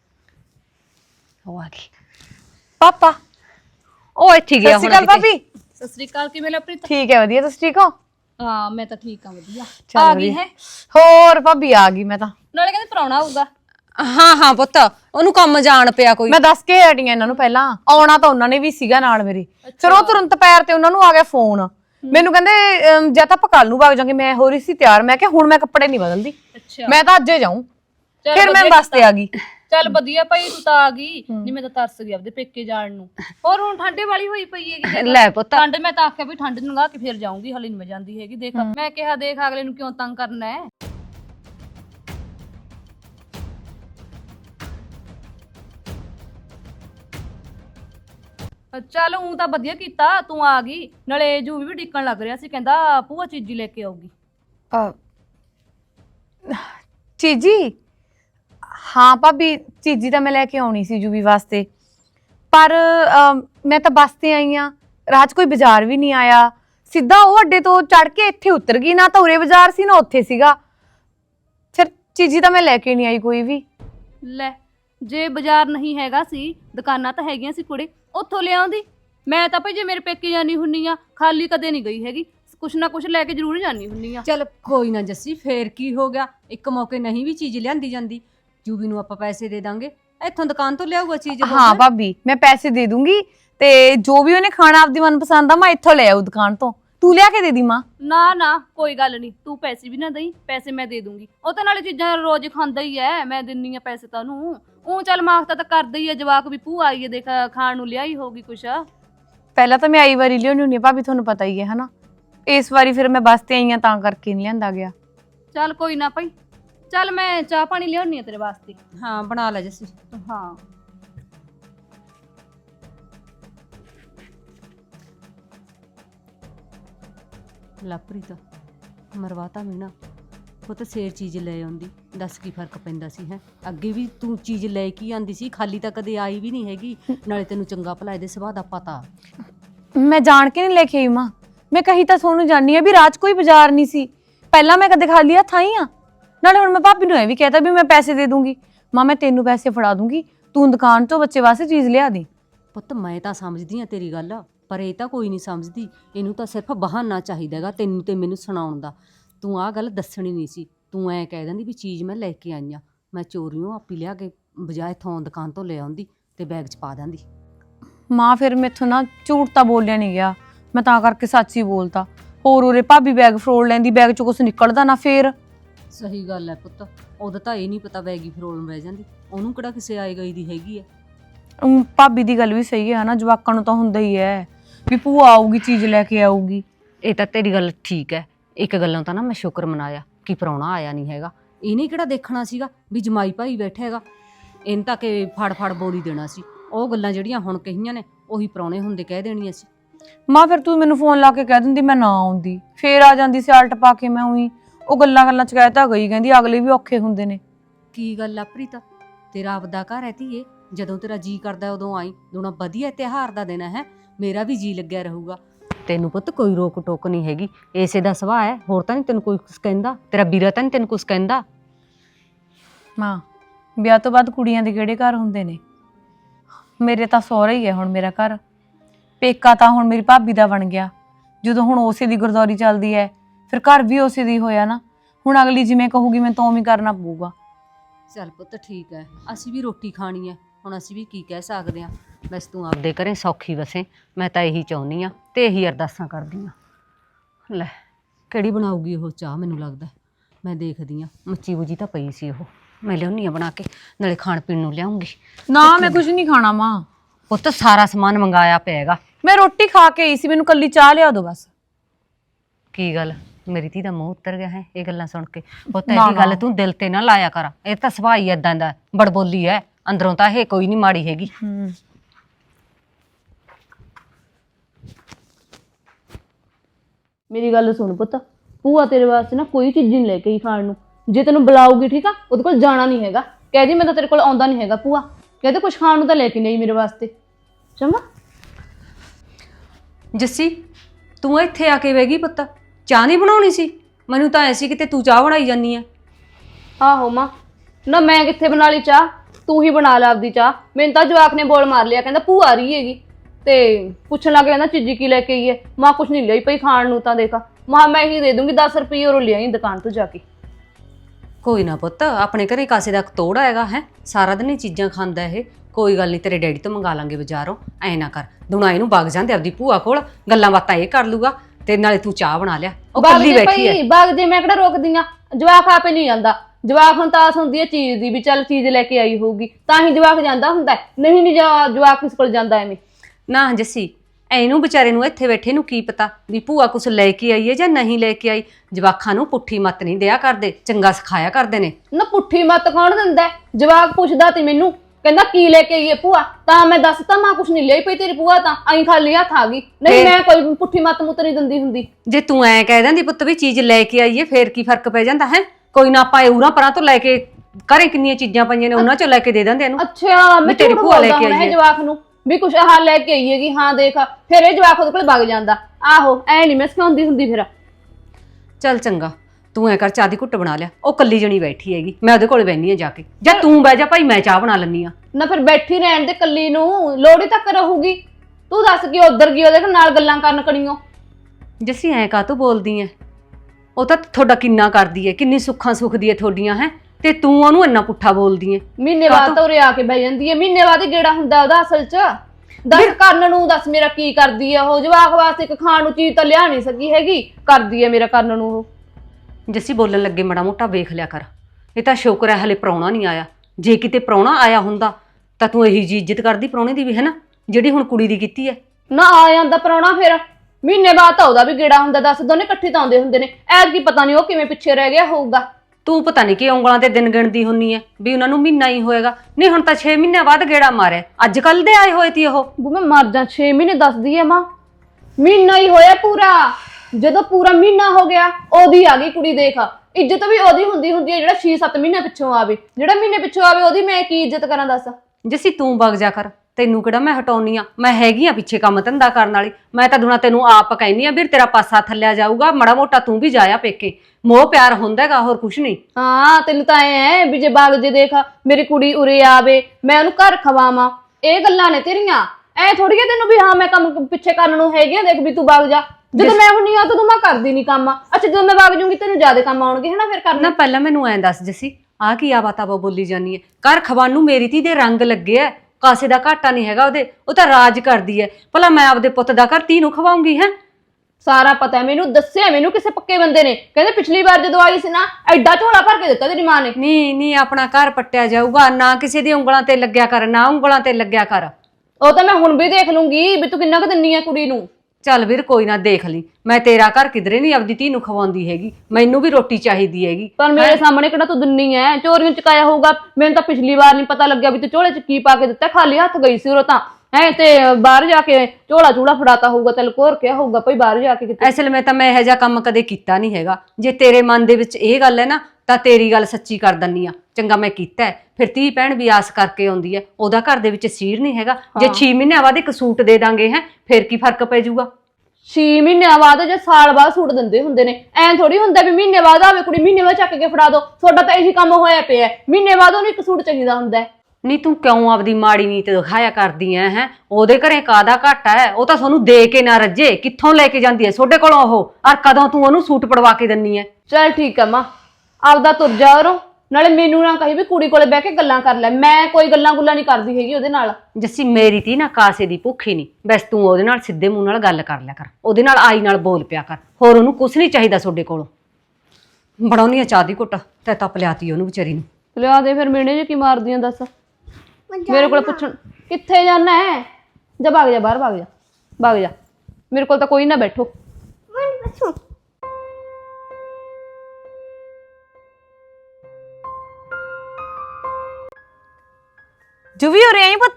ਉਹ ਆ ਗਈ। ਪਾਪਾ ਉਹ ਇੱਥੇ ਗਿਆ ਸਤਿ ਹੁਣ। ਸ਼੍ਰੀ ਅਕਾਲ ਭਾਬੀ। ਸਤਿ ਸ੍ਰੀ ਅਕਾਲ, ਕਿਵੇਂ ਲਵਪ੍ਰੀਤ? ਠੀਕ ਹੈ, ਵਧੀਆ। ਤੁਸੀਂ ਠੀਕ ਹੋ? ਹਾਂ ਮੈਂ ਤਾਂ ਠੀਕ ਹਾਂ, ਵਧੀਆ। ਚੱਲ ਆ ਗਈ ਵਧੀਆ। ਹੈ ਹੋਰ ਭਾਬੀ ਆ ਗਈ ਮੈਂ ਤਾਂ। ਨਾਲੇ ਕਹਿੰਦੇ ਪ੍ਰਾਹੁਣਾ ਆਊਗਾ। ਹਾਂ ਹਾਂ ਪੁੱਤ, ਉਹਨੂੰ ਕੰਮ ਜਾਣ ਪਿਆ ਕੋਈ। ਮੈਂ ਦੱਸ ਕੇ ਹਟੀਆਂ ਇਹਨਾਂ ਨੂੰ, ਪਹਿਲਾਂ ਆਉਣਾ ਤਾਂ ਉਹਨਾਂ ਨੇ ਵੀ ਸੀਗਾ ਨਾਲ ਮੇਰੇ। ਫਿਰ ਉਹ ਤੁਰੰਤ ਪੈਰ ਤੇ ਉਹਨਾਂ ਨੂੰ ਆ ਗਿਆ ਫੋਨ। ਮੈਨੂੰ ਕਹਿੰਦੇ ਅਮ, ਜਾਂ ਤਾਂ ਆਪਾਂ ਕੱਲ ਨੂੰ ਵਗ ਜਾਾਂਗੇ। ਮੈਂ ਹੋ ਰਹੀ ਸੀ ਤਿਆਰ, ਮੈਂ ਕਿਹਾ ਹੁਣ ਮੈਂ ਕੱਪੜੇ ਨਹੀਂ ਬਦਲਦੀ, ਅੱਛਾ ਮੈਂ ਤਾਂ ਅੱਜੇ ਜਾਊਂ। ਚੱਲ ਫਿਰ ਮੈਂ ਵਧੀਆ ਬੱਸ ਤੇ ਆ ਗਈ। ਚੱਲ ਵਧੀਆ ਭਾਈ, ਤੂੰ ਤਾਂ ਆ ਗਈ, ਨਹੀਂ ਮੈਂ ਤਾਂ ਤਰਸ ਗਈ ਆਪਦੇ ਪੇਕੇ ਜਾਣ ਨੂੰ। ਹੋਰ ਹੁਣ ਠੰਡੇ ਵਾਲੀ ਹੋਈ ਪਈ ਹੈਗੀ ਦੇਖ। ਲੈ ਪੁੱਤ, ਠੰਡ ਮੈਂ ਤਾਂ ਆਖਿਆ ਵੀ ਠੰਡ ਨੰਗਾ ਕੇ ਫਿਰ ਜਾਊਂਗੀ, ਹਲੇ ਨਹੀਂ ਮੈਂ ਜਾਂਦੀ ਹੈਗੀ। ਦੇਖ ਮੈਂ ਕਿਹਾ ਦੇਖ ਅਗਲੇ ਨੂੰ ਕਿਉਂ ਤੰਗ ਕਰਨਾ ਹੈ। ਚੱਲ ਹੂੰ ਤਾਂ ਵਧੀਆ ਕੀਤਾ ਤੂੰ ਆ ਗਈ, ਨਾਲੇ ਜੂ ਵੀ ਡਿੱਕਣ ਲੱਗ ਰਿਹਾ ਸੀ, ਕਹਿੰਦਾ ਭੂਆ ਚੀਜ਼ੀ ਲੈ ਕੇ ਆਊਗੀ। ਚੀਜੀ? ਹਾਂ ਭਾਬੀ, ਚੀਜੀ ਤਾਂ ਮੈਂ ਲੈ ਕੇ ਆਉਣੀ ਸੀ ਜੂਵੀ ਵਾਸਤੇ, ਪਰ ਮੈਂ ਤਾਂ ਬੱਸ ਤੇ ਆਈ ਆ, ਰਾਹ 'ਚ ਕੋਈ ਬਾਜ਼ਾਰ ਵੀ ਨਹੀਂ ਆਇਆ। ਸਿੱਧਾ ਉਹ ਅੱਡੇ ਤੋਂ ਚੜ ਕੇ ਇੱਥੇ ਉਤਰ ਗਈ, ਨਾ ਤਾਂ ਉਰੇ ਬਾਜ਼ਾਰ ਸੀ ਨਾ ਉੱਥੇ ਸੀਗਾ। ਫਿਰ ਚੀਜੀ ਤਾਂ ਮੈਂ ਲੈ ਕੇ ਨਹੀਂ ਆਈ ਕੋਈ ਵੀ। ਲੈ ਜੇ ਬਾਜ਼ਾਰ ਨਹੀਂ ਹੈਗਾ ਸੀ, ਦੁਕਾਨਾਂ ਤਾਂ ਹੈਗੀਆਂ ਸੀ ਕੁੜੇ, ਉੱਥੋਂ ਲਿਆਉਂਦੀ। ਮੈਂ ਤਾਂ ਭਾਈ ਜੇ ਮੇਰੇ ਪੇਕੇ ਜਾਨੀ ਹੁੰਨੀ ਆ, ਖਾਲੀ ਕਦੇ ਨਹੀਂ ਗਈ ਹੈਗੀ, ਕੁਛ ਨਾ ਕੁਛ ਲੈ ਕੇ ਜ਼ਰੂਰ ਜਾਣੀ ਹੁੰਨੀ ਆ। ਚੱਲ ਕੋਈ ਨਾ ਜੱਸੀ, ਫੇਰ ਕੀ ਹੋ ਗਿਆ, ਇੱਕ ਮੌਕੇ ਨਹੀਂ ਵੀ ਚੀਜ਼ ਲਿਆਂਦੀ ਜਾਂਦੀ, ਜੂਬੀ ਨੂੰ ਆਪਾਂ ਪੈਸੇ ਦੇ ਦਾਂਗੇ, ਇੱਥੋਂ ਦੁਕਾਨ ਤੋਂ ਲਿਆਊਗਾ ਚੀਜ਼। ਹਾਂ ਭਾਬੀ ਮੈਂ ਪੈਸੇ ਦੇ ਦੂੰਗੀ ਤੇ ਜੋ ਵੀ ਉਹਨੇ ਖਾਣਾ ਆਪਦੀ ਮਨਪਸੰਦ ਆ ਮੈਂ ਇੱਥੋਂ ਲੈ ਆਊ ਦੁਕਾਨ ਤੋਂ, ਤੂੰ ਲਿਆ ਕੇ ਦੇ ਦੀ ਮਾਂ। ਨਾ ਨਾ ਕੋਈ ਗੱਲ ਨਹੀਂ, ਤੂੰ ਪੈਸੇ ਵੀ ਨਾ ਦੇਈ, ਪੈਸੇ ਮੈਂ ਦੇ ਦੂੰਗੀ। ਉਹ ਤਾਂ ਨਾਲੇ ਚੀਜ਼ਾਂ ਰੋਜ਼ ਖਾਂਦਾ ਹੀ ਐ, ਮੈਂ ਦਿੰਨੀ ਆ ਪੈਸੇ ਤਾਂ ਉਹਨੂੰ। ਉਹ ਚੱਲ ਮਾਖਤਾ ਤਾਂ ਕਰਦਾ ਹੀ ਐ, ਜਵਾਕ ਵੀ ਭੂਆ ਆਈ ਐ, ਦੇਖ ਖਾਣ ਨੂੰ ਲਿਆਈ ਹੋਊਗੀ ਕੁਛ। ਪਹਿਲਾਂ ਤਾਂ ਮੈਂ ਆਈ ਵਾਰੀ ਲਿਆਉਣੀ ਹੁੰਦੀ ਆ ਭਾਬੀ, ਤੁਹਾਨੂੰ ਪਤਾ ਹੀ ਹੈ ਹਨਾ। ਇਸ ਵਾਰੀ ਫਿਰ ਮੈਂ ਬੱਸ ਤੇ ਆਈ ਆ ਤਾਂ ਕਰਕੇ ਨਹੀਂ ਲਿਆਂਦਾ ਗਿਆ। ਚੱਲ ਕੋਈ ਨਾ ਭਾਈ, ਚੱਲ ਮੈਂ ਚਾਹ ਪਾਣੀ ਲਿਆਉਣੀ ਆ ਤੇਰੇ ਵਾਸਤੇ। ਹਾਂ ਬਣਾ ਲੈ ਜੱਸੀ। ਹਾਂ ਲਾਪ੍ਰੀਤ ਮਰਵਾਤਾ ਮੀਨਾ, ਉਹ ਤਾਂ ਸੇਰ ਚੀਜ਼ ਲੈ ਆਉਂਦੀ, ਦੱਸ ਕੀ ਫਰਕ ਪੈਂਦਾ ਸੀ ਹੈ। ਅੱਗੇ ਵੀ ਤੂੰ ਚੀਜ਼ ਲੈ ਕੇ ਆਂਦੀ ਸੀ, ਖਾਲੀ ਤਾਂ ਕਦੇ ਆਈ ਵੀ ਨਹੀਂ ਹੈਗੀ। ਨਾਲੇ ਤੈਨੂੰ ਚੰਗਾ ਭਲਾ ਇਹਦੇ ਸੁਭਾਅ ਦਾ ਪਤਾ। ਮੈਂ ਜਾਣ ਕੇ ਨਹੀਂ ਲੈ ਕੇ ਆਈ ਮਾਂ, ਮੈਂ ਕਹੀ ਤਾਂ ਸੋਨੂੰ ਜਾਣੀ ਆ ਵੀ ਰਾਤ ਕੋਈ ਬਾਜ਼ਾਰ ਨਹੀਂ ਸੀ, ਪਹਿਲਾਂ ਮੈਂ ਕਦੇ ਖਾਲੀ ਹੱਥ ਆਈ ਆ। ਨਾਲੇ ਹੁਣ ਮੈਂ ਭਾਬੀ ਨੂੰ ਇਹ ਵੀ ਕਹਿਤਾ ਵੀ ਮੈਂ ਪੈਸੇ ਦੇ ਦੂੰਗੀ। ਮਾਂ ਮੈਂ ਤੈਨੂੰ ਪੈਸੇ ਫੜਾ ਦੂੰਗੀ, ਤੂੰ ਦੁਕਾਨ ਤੋਂ ਬੱਚੇ ਵਾਸਤੇ ਚੀਜ਼ ਲਿਆ ਦੇ। ਪੁੱਤ ਮੈਂ ਤਾਂ ਸਮਝਦੀ ਆ ਤੇਰੀ ਗੱਲ, ਪਰ ਇਹ ਤਾਂ ਕੋਈ ਨਹੀਂ ਸਮਝਦੀ। ਇਹਨੂੰ ਤਾਂ ਸਿਰਫ ਬਹਾਨਾ ਚਾਹੀਦਾ ਹੈਗਾ ਤੈਨੂੰ ਤੇ ਮੈਨੂੰ ਸੁਣਾਉਣ ਦਾ। ਤੂੰ ਆਹ ਗੱਲ ਦੱਸਣੀ ਨਹੀਂ ਸੀ, ਤੂੰ ਐ ਕਹਿ ਦਿੰਦੀ ਵੀ ਚੀਜ਼ ਮੈਂ ਲੈ ਕੇ ਆਈ ਆ, ਮੈਂ ਚੋਰੀਓਂ ਆਪੀ ਲਿਆ ਕੇ ਬਜਾਏ ਥੋਂ ਦੁਕਾਨ ਤੋਂ ਲੈ ਆਉਂਦੀ ਤੇ ਬੈਗ 'ਚ ਪਾ ਦਿੰਦੀ। ਮਾਂ ਫਿਰ ਮੈਥੋਂ ਨਾ ਝੂਠ ਤਾਂ ਬੋਲਿਆ ਨਹੀਂ ਗਿਆ, ਮੈਂ ਤਾਂ ਕਰਕੇ ਸੱਚ ਹੀ ਬੋਲਤਾ। ਹੋਰ ਉਰੇ ਭਾਬੀ ਬੈਗ ਫਰੋੜ ਲੈਂਦੀ, ਬੈਗ 'ਚੋਂ ਕੁਛ ਨਿਕਲਦਾ ਨਾ ਫੇਰ। ਸਹੀ ਗੱਲ ਹੈ ਪੁੱਤ, ਉਹਦਾ ਤਾਂ ਇਹ ਨਹੀਂ ਪਤਾ ਬੈਗੀ ਫਰੋਲਣ ਰਹਿ ਜਾਂਦੀ, ਉਹਨੂੰ ਕਿਹੜਾ ਕਿਸੇ ਆਈ ਗਈ ਦੀ ਹੈਗੀ ਹੈ। ਊਂ ਭਾਬੀ ਦੀ ਗੱਲ ਵੀ ਸਹੀ ਹੈ ਨਾ, ਜਵਾਕਾਂ ਨੂੰ ਤਾਂ ਹੁੰਦਾ ਹੀ ਹੈ ਵੀ ਭੂਆ ਆਊਗੀ ਚੀਜ਼ ਲੈ ਕੇ ਆਊਗੀ। ਇਹ ਤਾਂ ਤੇਰੀ ਗੱਲ ਠੀਕ ਹੈ। ਇੱਕ ਗੱਲੋਂ ਤਾਂ ਨਾ ਮੈਂ ਸ਼ੁਕਰ ਮਨਾਇਆ ਕਿ ਪ੍ਰਾਹੁਣਾ ਆਇਆ ਨਹੀਂ ਹੈਗਾ। ਇਹਨੇ ਕਿਹੜਾ ਦੇਖਣਾ ਸੀਗਾ ਵੀ ਜਮਾਈ ਭਾਈ ਬੈਠਾ ਹੈਗਾ, ਇਹਨੂੰ ਤਾਂ ਕਿ ਫੜ ਫੜ ਬੋਲੀ ਦੇਣਾ ਸੀ। ਉਹ ਗੱਲਾਂ ਜਿਹੜੀਆਂ ਹੁਣ ਕਹੀਆਂ ਨੇ ਉਹੀ ਪ੍ਰਾਹੁਣੇ ਹੁੰਦੇ ਕਹਿ ਦੇਣੀਆਂ ਸੀ। ਮਾਂ ਫਿਰ ਤੂੰ ਮੈਨੂੰ ਫੋਨ ਲਾ ਕੇ ਕਹਿ ਦਿੰਦੀ ਮੈਂ ਨਾ ਆਉਂਦੀ, ਫੇਰ ਆ ਜਾਂਦੀ ਸਿਆਲਟ ਪਾ ਕੇ ਮੈਂ ਉਹੀ ਉਹ ਗੱਲਾਂ ਗੱਲਾਂ ਚ ਕਹਿ ਤਾਂ ਗਈ, ਕਹਿੰਦੀ ਅਗਲੇ ਵੀ ਔਖੇ ਹੁੰਦੇ ਨੇ। ਕੀ ਗੱਲ ਆ ਪ੍ਰੀਤਾ, ਤੇਰਾ ਆਪਦਾ ਘਰ ਹੈ ਧੀਏ, ਜਦੋਂ ਤੇਰਾ ਜੀ ਕਰਦਾ ਉਦੋਂ ਆਈ। ਦੋਣਾ ਵਧੀਆ ਤਿਉਹਾਰ ਦਾ ਦਿਨ ਹੈ, ਮੇਰਾ ਵੀ ਜੀ ਲੱਗਿਆ ਰਹੂਗਾ। ਤੈਨੂੰ ਪੁੱਤ ਕੋਈ ਰੋਕ ਟੋਕ ਨਹੀਂ ਹੈਗੀ, ਇਸੇ ਦਾ ਸੁਭਾਅ ਹੈ, ਹੋਰ ਤਾਂ ਨਹੀਂ ਤੈਨੂੰ ਕੋਈ ਕੁਛ ਕਹਿੰਦਾ, ਤੇਰਾ ਵੀਰਾ ਤਾਂ ਨਹੀਂ ਤੈਨੂੰ ਕੁਛ ਕਹਿੰਦਾ। ਮਾਂ ਵਿਆਹ ਤੋਂ ਬਾਅਦ ਕੁੜੀਆਂ ਦੇ ਕਿਹੜੇ ਘਰ ਹੁੰਦੇ ਨੇ, ਮੇਰੇ ਤਾਂ ਸਹੁਰਾ ਹੀ ਹੈ ਹੁਣ ਮੇਰਾ ਘਰ। ਪੇਕਾ ਤਾਂ ਹੁਣ ਮੇਰੀ ਭਾਬੀ ਦਾ ਬਣ ਗਿਆ, ਜਦੋਂ ਹੁਣ ਉਸੇ ਦੀ ਗੁਰਦੌਰੀ ਚੱਲਦੀ ਹੈ ਫਿਰ ਘਰ ਵੀ ਉਸੇ ਦੀ ਹੋਇਆ ਨਾ। ਹੁਣ ਅਗਲੀ ਜਿਵੇਂ ਕਹੂਗੀ ਮੈਂ ਤਾਂ ਉਵੇਂ ਕਰਨਾ ਪਊਗਾ। ਚੱਲ ਪੁੱਤ ਠੀਕ ਹੈ, ਅਸੀਂ ਵੀ ਰੋਟੀ ਖਾਣੀ ਹੈ, ਹੁਣ ਅਸੀਂ ਵੀ ਕੀ ਕਹਿ ਸਕਦੇ ਹਾਂ। ਬਸ ਤੂੰ ਆਪਦੇ ਘਰੇ ਸੌਖੀ ਵਸੇ, ਮੈਂ ਤਾਂ ਇਹੀ ਚਾਹੁੰਦੀ ਹਾਂ ਤੇ ਇਹੀ ਅਰਦਾਸਾਂ ਕਰਦੀ ਹਾਂ। ਲੈ ਕਿਹੜੀ ਬਣਾਊਗੀ ਉਹ ਚਾਹ, ਮੈਨੂੰ ਲੱਗਦਾ ਮੈਂ ਦੇਖਦੀ ਹਾਂ। ਮੱਚੀ ਬੁਜੀ ਤਾਂ ਪਈ ਸੀ, ਉਹ ਮੈਂ ਲਿਆਉਣੀ ਆ ਬਣਾ ਕੇ, ਨਾਲੇ ਖਾਣ ਪੀਣ ਨੂੰ ਲਿਆਉਂਗੀ। ਨਾ ਮੈਂ ਕੁਝ ਨਹੀਂ ਖਾਣਾ ਮਾਂ, ਪੁੱਤ ਸਾਰਾ ਸਮਾਨ ਮੰਗਾਇਆ ਪਿਆਗਾ। ਮੈਂ ਰੋਟੀ ਖਾ ਕੇ ਆਈ ਸੀ, ਮੈਨੂੰ ਕੱਲੀ ਚਾਹ ਲਿਆ ਦਿਓ ਬਸ। ਕੀ ਗੱਲ ਮੇਰੀ ਧੀ ਦਾ ਮੂੰਹ ਉੱਤਰ ਗਿਆ ਹੈ ਇਹ ਗੱਲਾਂ ਸੁਣ ਕੇ? ਪੁੱਤ ਇਹਦੀ ਗੱਲ ਤੂੰ ਦਿਲ ਤੇ ਨਾ ਲਾਇਆ ਕਰ, ਇਹ ਤਾਂ ਸੁਭਾਅ ਹੀ ਏਦਾਂ ਦਾ ਬੜਬੋਲੀ ਹੈ, ਅੰਦਰੋਂ ਤਾਂ ਇਹ ਕੋਈ ਨਹੀਂ ਮਾੜੀ ਹੈਗੀ। ਮੇਰੀ ਗੱਲ ਸੁਣ ਪੁੱਤ, ਭੂਆ ਤੇਰੇ ਵਾਸਤੇ ਨਾ ਕੋਈ ਚੀਜ਼ ਨਹੀਂ ਲੈ ਕੇ ਆਈ ਖਾਣ ਨੂੰ। ਜੇ ਤੈਨੂੰ ਬੁਲਾਊਗੀ ਠੀਕ ਆ, ਉਹਦੇ ਕੋਲ ਜਾਣਾ ਨਹੀਂ ਹੈਗਾ, ਕਹਿ ਦੀ ਮੈਂ ਤਾਂ ਤੇਰੇ ਕੋਲ ਆਉਂਦਾ ਨਹੀਂ ਹੈਗਾ ਭੂਆ, ਕਹਿੰਦੇ ਕੁਝ ਖਾਣ ਨੂੰ ਤਾਂ ਲੈ ਕੇ ਨਹੀਂ ਮੇਰੇ ਵਾਸਤੇ, ਚੰਗਾ। ਜੱਸੀ ਤੂੰ ਇੱਥੇ ਆ ਕੇ ਬਹਿ ਗਈ ਪੁੱਤ, ਚਾਹ ਨਹੀਂ ਬਣਾਉਣੀ ਸੀ? ਮੈਨੂੰ ਤਾਂ ਐਸੀ ਕਿਤੇ ਤੂੰ ਚਾਹ ਬਣਾਈ ਜਾਂਦੀ ਹੈ। ਆਹੋ ਮਾਂ, ਨਾ ਮੈਂ ਕਿੱਥੇ ਬਣਾ ਲਈ ਚਾਹ, ਤੂੰ ਹੀ ਬਣਾ ਲੈ ਆਪਦੀ ਚਾਹ। ਮੈਨੂੰ ਤਾਂ ਜਵਾਕ ਨੇ ਬੋਲ ਮਾਰ ਲਿਆ, ਕਹਿੰਦਾ ਭੂਆ ਆ ਰਹੀ ਹੈਗੀ, ਤੇ ਪੁੱਛਣ ਲੱਗ ਕਹਿੰਦਾ ਚੀਜ਼ੀ ਕੀ ਲੈ ਕੇ ਆਈ ਹੈ। ਮਾਂ ਕੁਛ ਨਹੀਂ ਲਈ ਪਈ ਖਾਣ ਨੂੰ, ਤਾਂ ਦੇਖਾ ਮਾਂ ਮੈਂ ਹੀ ਦੇ ਦੂੰਗੀ ਦਸ ਰੁਪਏ ਉਹ ਲਿਆਈ ਦੁਕਾਨ ਤੋਂ ਜਾ ਕੇ। ਕੋਈ ਨਾ ਪੁੱਤ, ਆਪਣੇ ਘਰੇ ਕਾਸੇ ਦਾ ਤੋੜ ਹੈਗਾ ਹੈ, ਸਾਰਾ ਦਿਨ ਹੀ ਚੀਜ਼ਾਂ ਖਾਂਦਾ ਇਹ। ਕੋਈ ਗੱਲ ਨਹੀਂ, ਤੇਰੇ ਡੈਡੀ ਤੋਂ ਮੰਗਾ ਲਾਂਗੇ ਬਾਜ਼ਾਰੋਂ। ਐ ਨਾ ਕਰ, ਦੁਣਾ ਇਹਨੂੰ ਵਗ ਜਾਂਦੇ ਆਪਦੀ ਭੂਆ ਕੋਲ, ਗੱਲਾਂ ਬਾਤਾਂ ਇਹ ਕਰ ਲੂਗਾ ਤੇ ਨਾਲੇ ਤੂੰ ਚਾਹ ਬਣਾ ਲਿਆ। ਉਹ ਕੱਲੀ ਬੈਠੀ ਹੈ। ਬਾਗ ਜੇ ਮੈਂ ਕਿਹੜਾ ਰੋਕਦੀ ਆ, ਜਵਾਕ ਆਪੇ ਨਹੀਂ ਜਾਂਦਾ। ਜਵਾਕ ਹੁਣ ਤਾਂ ਆਸ ਹੁੰਦੀ ਹੈ ਚੀਜ਼ ਦੀ, ਵੀ ਚੱਲ ਚੀਜ਼ ਲੈ ਕੇ ਆਈ ਹੋਊਗੀ ਤਾਂ ਹੀ ਜਵਾਕ ਜਾਂਦਾ ਹੁੰਦਾ, ਨਹੀਂ ਨਹੀਂ ਜਵਾਕ ਕਿਸ ਕੋਲ ਜਾਂਦਾ ਐਵੇਂ। ਨਾ ਜੱਸੀ, ਇਹਨੂੰ ਵਿਚਾਰੇ ਨੂੰ ਇੱਥੇ ਬੈਠੇ ਨੂੰ ਕੀ ਪਤਾ ਵੀ ਭੂਆ ਕੁਛ ਲੈ ਕੇ ਆਈ ਹੈ ਜਾਂ ਨਹੀਂ ਲੈ ਕੇ ਆਈ। ਜਵਾਕਾਂ ਨੂੰ ਪੁੱਠੀ ਮੱਤ ਨਹੀਂ ਦਿਆ ਕਰਦੇ, ਚੰਗਾ ਸਿਖਾਇਆ ਕਰਦੇ ਨੇ। ਨਾ ਪੁੱਠੀ ਮੱਤ ਕੌਣ ਦਿੰਦਾ? ਜਵਾਕ ਪੁੱਛਦਾ ਤੇ ਮੈਨੂੰ ਕਹਿੰਦਾ ਕੀ ਲੈ ਕੇ ਆਈਏ ਭੂਆ, ਤਾਂ ਮੈਂ ਦੱਸਤਾ ਮਾਂ ਕੁਛ ਨਹੀਂ ਲਈ ਪਈ ਤੇਰੀ ਭੂਆ, ਤਾਂ ਐਂ ਖਾਲੀ ਹੱਥ ਆ ਗਈ। ਨਹੀਂ ਮੈਂ ਕੋਈ ਪੁੱਠੀ ਮੱਤ ਮੁੱਤ ਨਹੀਂ ਦਿੰਦੀ ਹੁੰਦੀ। ਜੇ ਤੂੰ ਐਂ ਕਹਿ ਦਿੰਦੀ ਪੁੱਤ ਵੀ ਚੀਜ਼ ਲੈ ਕੇ ਆਈਏ ਫੇਰ ਕੀ ਫਰਕ ਪੈ ਜਾਂਦਾ ਹੈ? ਕੋਈ ਨਾ, ਆਪਾਂ ਉਰਾਂ ਪਰਾਂ ਤੋਂ ਲੈ ਕੇ ਘਰੇ ਕਿੰਨੀਆਂ ਚੀਜ਼ਾਂ ਪਈਆਂ ਨੇ ਉਹਨਾਂ ਚੋਂ ਲੈ ਕੇ ਦੇ ਦਿੰਦੇ ਇਹਨੂੰ। ਅੱਛਾ ਮੈਂ ਤੇਰੀ ਭੂਆ ਲੈ ਕੇ ਆਈ ਜਵਾਕ ਨੂੰ ਵੀ ਕੁਛ ਆਹ ਲੈ ਕੇ ਆਈਏਗੀ, ਹਾਂ ਦੇਖ ਫਿਰ ਇਹ ਜਵਾਕ ਉਹਦੇ ਕੋਲ ਵਗ ਜਾਂਦਾ। ਆਹੋ ਐ ਨਹੀਂ ਮੈਂ ਸਿਖਾਉਂਦੀ ਹੁੰਦੀ। ਫਿਰ ਚੱਲ ਚੰਗਾ, ਤੂੰ ਐ ਕਰ ਚਾਹ ਦੀ ਘੁੱਟ ਬਣਾ ਲਿਆ, ਉਹ ਕੱਲੀ ਜਣੀ ਬੈਠੀ ਹੈਗੀ, ਮੈਂ ਉਹਦੇ ਕੋਲ ਬੈਣੀ ਆ ਜਾ ਕੇ। ਜਾਂ ਤੂੰ ਬਹਿ ਜਾ ਭਾਈ, ਮੈਂ ਚਾਹ ਬਣਾ ਲੈਣੀ ਆ। ਨਾ ਫਿਰ ਬੈਠੀ ਰਹਿਣ ਦੇ ਕੱਲੀ ਨੂੰ, ਲੋੜੀ ਤੱਕ ਰਹੂਗੀ। ਤੂੰ ਦੱਸ ਕੀ ਉਧਰ ਗਈ ਉਹਦੇ ਨਾਲ ਗੱਲਾਂ ਕਰਨ ਕਣੀਓ। ਜੱਸੀ ਐ ਕਾਹਤੋਂ ਬੋਲਦੀ ਐ? ਉਹ ਤਾਂ ਤੁਹਾਡਾ ਕਿੰਨਾ ਕਰਦੀ ਐ, ਕਿੰਨੀ ਸੁੱਖਾਂ ਸੁਖਦੀ ਐ ਤੁਹਾਡੀਆਂ ਹੈ, ਤੇ ਤੂੰ ਉਹਨੂੰ ਇੰਨਾ ਪੁੱਠਾ ਬੋਲਦੀ ਐ। ਮਹੀਨੇ ਬਾਅਦ ਤਾਂ ਉਰੇ ਆ ਕੇ ਬਹਿ ਜਾਂਦੀ ਹੈ, ਮਹੀਨੇ ਬਾਅਦ ਹੀ ਗੇੜਾ ਹੁੰਦਾ ਉਹਦਾ ਅਸਲ 'ਚ। ਦੱਸ ਕਰਨ ਨੂੰ, ਦੱਸ ਮੇਰਾ ਕੀ ਕਰਦੀ ਹੈ ਉਹ? ਜਵਾਕ ਵਾਸਤੇ ਇੱਕ ਖਾਣ ਨੂੰ ਚੀਜ਼ ਤਾਂ ਲਿਆ ਨਹੀਂ ਸਕੀ ਹੈਗੀ, ਕਰਦੀ ਹੈ ਮੇਰਾ ਕਰਨ ਨੂੰ ਉਹ। ਜੱਸੀ ਬੋਲਣ ਲੱਗੇ ਮਾੜਾ ਮੋਟਾ ਵੇਖ ਲਿਆ ਕਰ। ਇਹ ਤਾਂ ਸ਼ੁਕਰ ਹੈ ਹਲੇ ਪ੍ਰਾਹੁਣਾ ਨਹੀਂ ਆਇਆ। ਜੇ ਕਿਤੇ ਪ੍ਰਾਹੁਣਾ ਆਇਆ ਹੁੰਦਾ ਤਾਂ ਤੂੰ ਇਹੀ ਜੀ ਇੱਜ਼ਤ ਕਰਦੀ ਪ੍ਰਾਹੁਣੇ ਦੀ ਵੀ, ਹੈ ਨਾ, ਜਿਹੜੀ ਹੁਣ ਕੁੜੀ ਦੀ ਕੀਤੀ ਹੈ। ਨਾ ਆ ਜਾਂਦਾ ਪ੍ਰਾਹੁਣਾ ਫਿਰ ਮਹੀਨੇ ਬਾਅਦ ਤਾਂ ਉਹਦਾ ਵੀ ਗੇੜਾ ਹੁੰਦਾ। ਦੱਸ ਦੋਨੇ ਇਕੱਠੇ ਤਾਂ ਆਉਂਦੇ ਹੁੰਦੇ ਨੇ, ਐਤਕੀ ਪਤਾ ਨਹੀਂ ਉਹ ਕਿਵੇਂ ਪਿੱਛੇ ਰਹਿ ਗਿਆ ਹੋਊਗਾ। ਤੂੰ ਪਤਾ ਨਹੀਂ ਕਿ ਉਂਗਲਾਂ ਤੇ ਦਿਨ ਗਿਣਦੀ ਹੁੰਨੀ ਐ ਵੀ ਉਹਨਾਂ ਨੂੰ ਮਹੀਨਾ ਹੀ ਹੋਏਗਾ। ਨਹੀਂ ਹੁਣ ਤਾਂ ਛੇ ਮਹੀਨਿਆਂ ਬਾਅਦ ਗੇੜਾ ਮਾਰਿਆ, ਅੱਜ ਕੱਲ ਦੇ ਆਏ ਹੋਏ ਤੀ ਉਹ। ਬੂ ਮੈਂ ਮਰ ਜਾ, ਛੇ ਮਹੀਨੇ ਦੱਸਦੀ ਐ ਮਾਂ, ਮਹੀਨਾ ਹੀ ਹੋਇਆ ਪੂਰਾ। ਜਦੋਂ ਪੂਰਾ ਮਹੀਨਾ ਹੋ ਗਿਆ ਉਹਦੀ ਆ ਗਈ ਕੁੜੀ। ਦੇਖ ਇੱਜ਼ਤ ਵੀ ਉਹਦੀ ਹੁੰਦੀ ਹੁੰਦੀ ਹੈ ਜਿਹੜਾ ਛੇ ਸੱਤ ਮਹੀਨੇ ਪਿੱਛੋਂ ਆਵੇ। ਜਿਹੜਾ ਮਹੀਨੇ ਪਿੱਛੋਂ ਆਵੇ ਉਹਦੀ ਮੈਂ ਕੀ ਇੱਜ਼ਤ ਕਰਾਂ ਦੱਸ? ਜੱਸੀ ਤੂੰ ਵਗ ਜਾ ਕਰ, ਤੈਨੂੰ ਕਿਹੜਾ ਮੈਂ ਹਟਾਉਣੀ ਆ? ਮੈਂ ਹੈਗੀ ਆ ਪਿੱਛੇ ਕੰਮ ਧੰਦਾ ਕਰਨ ਵਾਲੀ। ਮੈਂ ਤਾਂ ਦੁਨਾ ਤੈਨੂੰ ਆਪ ਕਹਿੰਦੀ ਆ ਵੀਰ ਤੇਰਾ ਪਾਸਾ ਥੱਲਿਆ ਜਾਊਗਾ, ਮਾੜਾ ਮੋਟਾ ਤੂੰ ਵੀ ਜਾਇਆ ਪੇਕੇ। ਮੋਹ ਪਿਆਰ ਹੁੰਦਾ ਹੈਗਾ, ਹੋਰ ਕੁਛ ਨਹੀਂ। ਹਾਂ ਤੈਨੂੰ ਤਾਂ ਐ ਹੈ ਵੀ ਜੇ ਬਾਗ ਜੇ ਦੇਖ ਮੇਰੀ ਕੁੜੀ ਉਰੇ ਆਵੇ ਮੈਂ ਉਹਨੂੰ ਘਰ ਖਵਾਵਾਂ, ਇਹ ਗੱਲਾਂ ਨੇ ਤੇਰੀਆਂ। ਐ ਥੋੜੀ ਹੈ ਤੈਨੂੰ ਵੀ ਹਾਂ ਮੈਂ ਕੰਮ ਪਿੱਛੇ ਕਰਨ ਨੂੰ ਹੈਗੀ ਆ, ਦੇਖ ਵੀ ਤੂੰ ਬਾਗ ਜਾ। ਜਦੋਂ ਮੈਂ ਹੁੰਨੀ ਆ ਤਦੋਂ ਮੈਂ ਕਰਦੀ ਨਹੀਂ ਕੰਮ। ਅੱਛਾ ਜਦੋਂ ਮੈਂ ਵਗ ਜੂੰਗੀ ਤੈਨੂੰ ਜ਼ਿਆਦਾ ਕੰਮ ਆਉਣਗੇ, ਹਨਾ? ਫਿਰ ਕਰਨਾ। ਨਾ ਪਹਿਲਾਂ ਮੈਨੂੰ ਐਂ ਦੱਸ ਜੱਸੀ, ਆਹ ਕੀ ਆਵਾ ਤਾਵਾ ਬੋਲੀ ਜਾਨੀ ਐ? ਘਰ ਖਵਾਨ ਨੂੰ ਮੇਰੀ ਧੀ ਦੇ ਰੰਗ ਲੱਗੇ ਐ, ਕਾਸੇ ਦਾ ਘਾਟਾ ਨਹੀਂ ਹੈਗਾ ਉਹਦੇ। ਉਹ ਤਾਂ ਰਾਜ ਕਰਦੀ ਐ, ਭਲਾ ਮੈਂ ਆਪਦੇ ਪੁੱਤ ਦਾ ਘਰ ਧੀ ਨੂੰ ਖਵਾਉਂਗੀ? ਹੈ ਸਾਰਾ ਪਤਾ ਮੈਨੂੰ, ਦੱਸਿਆ ਮੈਨੂੰ ਕਿਸੇ ਪੱਕੇ ਬੰਦੇ ਨੇ। ਕਹਿੰਦੇ ਪਿਛਲੀ ਵਾਰ ਜਦੋਂ ਆਈ ਸੀ ਨਾ ਐਡਾ ਝੋਲਾ ਭਰ ਕੇ ਦਿੱਤਾ ਤੇਰੀ ਮਾਂ ਨੇ। ਨਹੀਂ ਨਹੀਂ, ਆਪਣਾ ਘਰ ਪੱਟਿਆ ਜਾਊਗਾ। ਨਾ ਕਿਸੇ ਦੀ ਉਂਗਲਾਂ ਤੇ ਲੱਗਿਆ ਕਰ, ਨਾ ਉਂਗਲਾਂ ਤੇ ਲੱਗਿਆ ਕਰ। ਉਹ ਤਾਂ ਮੈਂ ਹੁਣ ਵੀ ਦੇਖ ਲੂੰਗੀ ਵੀ ਤੂੰ ਕਿੰਨਾ ਕੁ ਦਿੰਨੀ ਆ ਕੁੜੀ ਨੂੰ। ਚੱਲ ਵੀਰ ਕੋਈ ਨਾ, ਦੇਖ ਲਈ। ਮੈਂ ਤੇਰਾ ਘਰ ਕਿਧਰੇ ਨਹੀਂ ਆਪਦੀ ਧੀ ਨੂੰ ਖਵਾਉਂਦੀ ਹੈਗੀ, ਮੈਨੂੰ ਵੀ ਰੋਟੀ ਚਾਹੀਦੀ ਹੈਗੀ। ਪਰ ਮੇਰੇ ਸਾਹਮਣੇ ਕਿਹੜਾ ਤੂੰ ਦਿੰਨੀ ਐ? ਚੋਰੀਆਂ ਚੁਕਾਇਆ ਹੋਊਗਾ। ਮੈਨੂੰ ਤਾਂ ਪਿਛਲੀ ਵਾਰ ਨਹੀਂ ਪਤਾ ਲੱਗਿਆ ਵੀ ਤੂੰ ਝੋਲੇ 'ਚ ਕੀ ਪਾ ਕੇ ਦਿੱਤਾ, ਖਾਲੀ ਹੱਥ ਗਈ ਸੀ ਉਰੋਂ ਤਾਂ। ਹੈ ਤੇ ਬਾਹਰ ਜਾ ਕੇ ਝੋਲਾ ਝੂਲਾ ਫੜਾਤਾ ਹੋਊਗਾ, ਤੇ ਲਕੋਰ ਕਿਹਾ ਹੋਊਗਾ ਭਈ ਬਾਹਰ ਜਾ ਕੇ ਕਿਤੇ। ਅਸਲ ਮੈਂ ਤਾਂ ਮੈਂ ਇਹੋ ਜਿਹਾ ਕੰਮ ਕਦੇ ਕੀਤਾ ਨਹੀਂ ਹੈਗਾ। ਜੇ ਤੇਰੇ ਮਨ ਦੇ ਵਿੱਚ ਇਹ ਗੱਲ ਹੈ ਨਾ ਤਾਂ ਤੇਰੀ ਗੱਲ ਸੱਚੀ ਕਰ ਦਿੰਨੀ ਆ। ਚੰਗਾ ਮੈਂ ਕੀਤਾ ਹੈ, ਫਿਰ ਧੀ ਭੈਣ ਵੀ ਆਸ ਕਰਕੇ ਆਉਂਦੀ ਹੈ। ਉਹਦਾ ਘਰ ਦੇ ਵਿੱਚ ਸੀਰ ਨਹੀਂ ਹੈਗਾ। ਜੇ ਛੇ ਮਹੀਨਿਆਂ ਬਾਅਦ ਇੱਕ ਸੂਟ ਦੇ ਦਾਂਗੇ ਹੈ, ਫਿਰ ਕੀ ਫਰਕ ਪੈ ਜਾਊਗਾ? ਛੇ ਮਹੀਨਿਆਂ ਬਾਅਦ ਜਾਂ ਸਾਲ ਬਾਅਦ ਸੂਟ ਦਿੰਦੇ ਹੁੰਦੇ ਨੇ। ਐਂ ਥੋੜੀ ਹੁੰਦਾ ਵੀ ਮਹੀਨੇ ਬਾਅਦ ਆਵੇ ਕੁੜੀ ਮਹੀਨੇ ਬਾਅਦ ਚੱਕ ਕੇ ਫੜਾ ਦੋ। ਤੁਹਾਡਾ ਤਾਂ ਇਹੀ ਕੰਮ ਹੋਇਆ ਪਿਆ, ਮਹੀਨੇ ਬਾਅਦ ਉਹਨੂੰ ਇੱਕ ਸੂਟ ਚਾਹੀਦਾ ਹੁੰਦਾ। ਨਹੀਂ ਤੂੰ ਕਿਉਂ ਆਪਦੀ ਮਾੜੀ ਨੀਤ ਦਿਖਾਇਆ ਕਰਦੀ ਐ? ਹੈ ਉਹਦੇ ਘਰੇ ਕਾਦਾ ਘਾਟਾ ਹੈ? ਉਹ ਤਾਂ ਤੁਹਾਨੂੰ ਦੇ ਕੇ ਨਾ ਰੱਜੇ, ਕਿੱਥੋਂ ਲੈ ਕੇ ਜਾਂਦੀ ਐ ਤੁਹਾਡੇ ਕੋਲੋਂ ਉਹ? ਔਰ ਕਦੋਂ ਤੂੰ ਉਹਨੂੰ ਸੂਟ ਪੜਵਾ ਕੇ ਦਿੰਨੀ ਐ? ਚੱਲ ਠੀਕ ਆ ਮਾਂ, ਆਪਦਾ ਤੁਰ ਜਾ ਉਰੋਂ। ਨਾਲੇ ਮੈਨੂੰ ਨਾ ਕਹੀ ਵੀ ਕੁੜੀ ਕੋਲੇ ਬਹਿ ਕੇ ਗੱਲਾਂ ਕਰ ਲੈ। ਮੈਂ ਕੋਈ ਗੱਲਾਂ ਗੁੱਲਾਂ ਨਹੀਂ ਕਰਦੀ ਹੈਗੀ ਉਹਦੇ ਨਾਲ। ਜੱਸੀ ਮੇਰੀ ਤੀ ਨਾ ਕਾਸੇ ਦੀ ਭੁੱਖੀ ਨਹੀਂ, ਬਸ ਤੂੰ ਉਹਦੇ ਨਾਲ ਸਿੱਧੇ ਮੂੰਹ ਨਾਲ ਗੱਲ ਕਰ ਲਿਆ ਕਰ, ਉਹਦੇ ਨਾਲ ਆਈ ਨਾਲ ਬੋਲ ਪਿਆ ਕਰ। ਹੋਰ ਉਹਨੂੰ ਕੁਛ ਨਹੀਂ ਚਾਹੀਦਾ ਤੁਹਾਡੇ ਕੋਲੋਂ। ਬਣਾਉਣੀ ਆ ਚਾਹ ਦੀ ਘੁੱਟ, ਤੇ ਤਾਂ ਪਿਲਾਤੀ ਉਹਨੂੰ ਵਿਚਾਰੀ ਨੂੰ। ਲਿਆ ਦੇ ਫਿਰ, ਮੇਨੇ ਜੇ ਕੀ ਮਾਰਦੀਆਂ ਦੱਸ? ਮੇਰੇ ਕੋਲ ਪੁੱਛਣ ਕਿੱਥੇ ਜਾਣਾ ਹੈ? ਜਾ ਭਾਗ ਜਾ, ਬਾਹਰ ਭਾਗ ਜਾ, ਭਾਗ ਜਾ। ਮੇਰੇ ਕੋਲ ਤਾਂ ਕੋਈ ਨਾ ਬੈਠੋ। ਜੁਵੀ ਹੋ ਰਹੀ ਪੁੱਤ?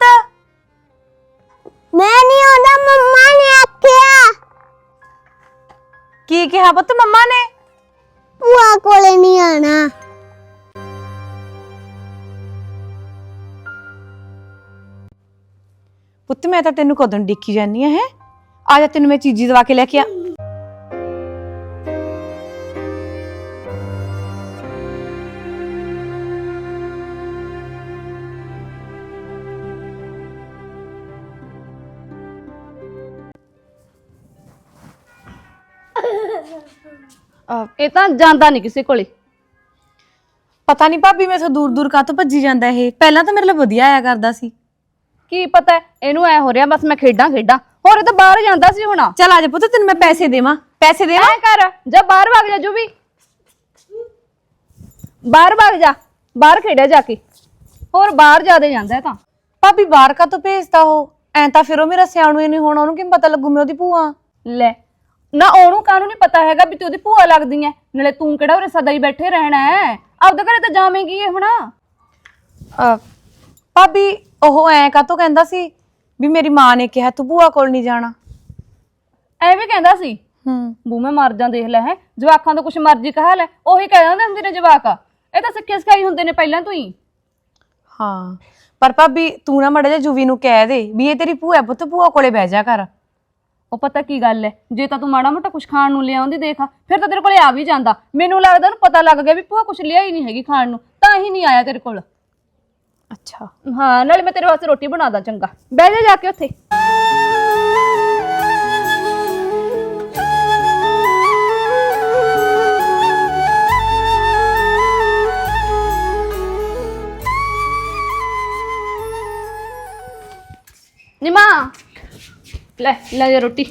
ਮੈਂ ਨਹੀਂ ਆਉਂਦਾ, ਮੰਮਾ ਨੇ ਆਖਿਆ। ਕੀ ਕਿਹਾ ਪੁੱਤ ਮੰਮਾ ਨੇ? ਭੂਆ ਕੋਲੇ ਨਹੀਂ ਆਣਾ। ਪੁੱਤ ਮੈਂ ਤਾਂ ਤੈਨੂੰ ਕਦੋਂ ਡਿੱਕੀ ਜਾਨੀ ਆ। ਹੈ ਆ ਜਾ, ਤੈਨੂੰ ਮੈਂ ਚੀਜ਼ੀ ਦਵਾ ਕੇ ਲੈ ਕੇ ਆ। ਇਹ ਤਾਂ ਜਾਂਦਾ ਨਹੀਂ ਕਿਸੇ ਕੋਲੇ। ਪਤਾ ਨਹੀਂ ਭਾਬੀ ਮੈਥੋਂ ਦੂਰ ਦੂਰ ਕਾਹਤੋਂ ਭੱਜੀ ਜਾਂਦਾ ਇਹ। ਪਹਿਲਾਂ ਤਾਂ ਮੇਰੇ ਲਈ ਵਧੀਆ ਆਇਆ ਕਰਦਾ ਸੀ। ਕੀ ਪਤਾ ਇਹਨੂੰ ਐ ਹੋ ਰਿਹਾ ਬਸ ਮੈਂ ਖੇਡਾਂ ਖੇਡਾਂ। ਹੋਰ ਇਹ ਤਾਂ ਬਾਹਰ ਜਾਂਦਾ ਸੀ ਹੁਣ। ਚੱਲ ਆ ਜਾ ਪੁੱਤ, ਤੈਨੂੰ ਮੈਂ ਪੈਸੇ ਦੇਵਾਂ। ਪੈਸੇ ਦੇਵਾਂ? ਐ ਕਰ ਜਾ ਬਾਹਰ ਭਾਗ ਜਾ। ਜੋ ਵੀ ਬਾਹਰ ਭਾਗ ਜਾ, ਬਾਹਰ ਖੇਡਿਆ ਜਾ ਕੇ। ਹੋਰ ਬਾਹਰ ਜਾਦੇ ਜਾਂਦਾ ਤਾਂ। ਭਾਬੀ ਬਾਹਰ ਕਾਹਤੋਂ ਭੇਜਦਾ ਉਹ? ਐਂ ਤਾਂ ਫਿਰ ਉਹ ਮੇਰਾ ਸਿਆਣੂ ਹੀ ਨਹੀਂ ਹੋਣਾ, ਉਹਨੂੰ ਕਿਵੇਂ ਪਤਾ ਲੱਗੂ ਮੈਂ ਉਹਦੀ ਭੂਆ? ਲੈ ਨਾ, ਉਹਨੂੰ ਕਾਹਨੂੰ ਨਹੀਂ ਪਤਾ ਹੈਗਾ ਵੀ ਤੂੰ ਉਹਦੀ ਭੂਆ ਲੱਗਦੀ ਐ। ਨਾਲੇ ਤੂੰ ਕਿਹੜਾ ਉਰੇ ਸਦਾ ਹੀ ਬੈਠੇ ਰਹਿਣਾ ਹੈ? ਆਪਦੇ ਘਰੇ ਤਾਂ ਜਾਵੇਂਗੀ ਇਹ ਹੁਣ। ਭਾਬੀ ਉਹ ਐਂ ਕਾਹਤੋਂ ਕਹਿੰਦਾ ਸੀ ਵੀ ਮੇਰੀ ਮਾਂ ਨੇ ਕਿਹਾ ਤੂੰ ਭੂਆ ਕੋਲ ਨਹੀਂ ਜਾਣਾ? ਐਵੇਂ ਕਹਿੰਦਾ ਸੀ? ਹੂੰ ਬੂ ਮੈਂ ਮਰ ਜਾਂ, ਦੇਖ ਲੈ। ਹੈ ਜਵਾਕਾਂ ਤੋਂ ਕੁਛ ਮਰਜ਼ੀ ਕਹਾ ਲੈ, ਉਹੀ ਕਹਿ ਦਿੰਦੇ ਹੁੰਦੇ ਨੇ ਜਵਾਕ। ਇਹ ਤਾਂ ਸਿੱਖੇ ਸਿਖਾਈ ਹੁੰਦੇ ਨੇ ਪਹਿਲਾਂ ਤੋਂ ਹੀ। ਹਾਂ ਪਰ ਭਾਬੀ ਤੂੰ ਨਾ ਮਾੜਾ ਜਿਹਾ ਜੁਵੀ ਨੂੰ ਕਹਿ ਦੇ ਵੀ ਇਹ ਤੇਰੀ ਭੂਆ ਪੁੱਤ, ਭੂਆ ਕੋਲੇ ਬਹਿ ਜਾ ਕਰ। ਉਹ ਪਤਾ ਕੀ ਗੱਲ ਹੈ, ਜੇ ਤਾਂ ਤੂੰ ਮਾੜਾ ਮੋਟਾ ਕੁਛ ਖਾਣ ਨੂੰ ਲਿਆਉਂਦੀ ਦੇਖ, ਫਿਰ ਤਾਂ ਤੇਰੇ ਕੋਲੇ ਆ ਵੀ ਜਾਂਦਾ। ਮੈਨੂੰ ਲੱਗਦਾ ਉਹਨੂੰ ਪਤਾ ਲੱਗ ਗਿਆ ਵੀ ਭੂਆ ਕੁਛ ਲਿਆ ਹੀ ਨਹੀਂ ਹੈਗੀ ਖਾਣ ਨੂੰ, ਤਾਂ ਹੀ ਨਹੀਂ ਆਇਆ ਤੇਰੇ ਕੋਲ। ਅੱਛਾ ਹਾਂ, ਨਾਲੇ ਮੈਂ ਤੇਰੇ ਵਾਸਤੇ ਰੋਟੀ ਬਣਾਦਾ। ਚੰਗਾ ਬਹਿ ਜਾ ਜਾ ਕੇ ਉੱਥੇ। ਨੀ ਮਾਂ ਲੈ ਲੈ ਜਾ ਰੋਟੀ।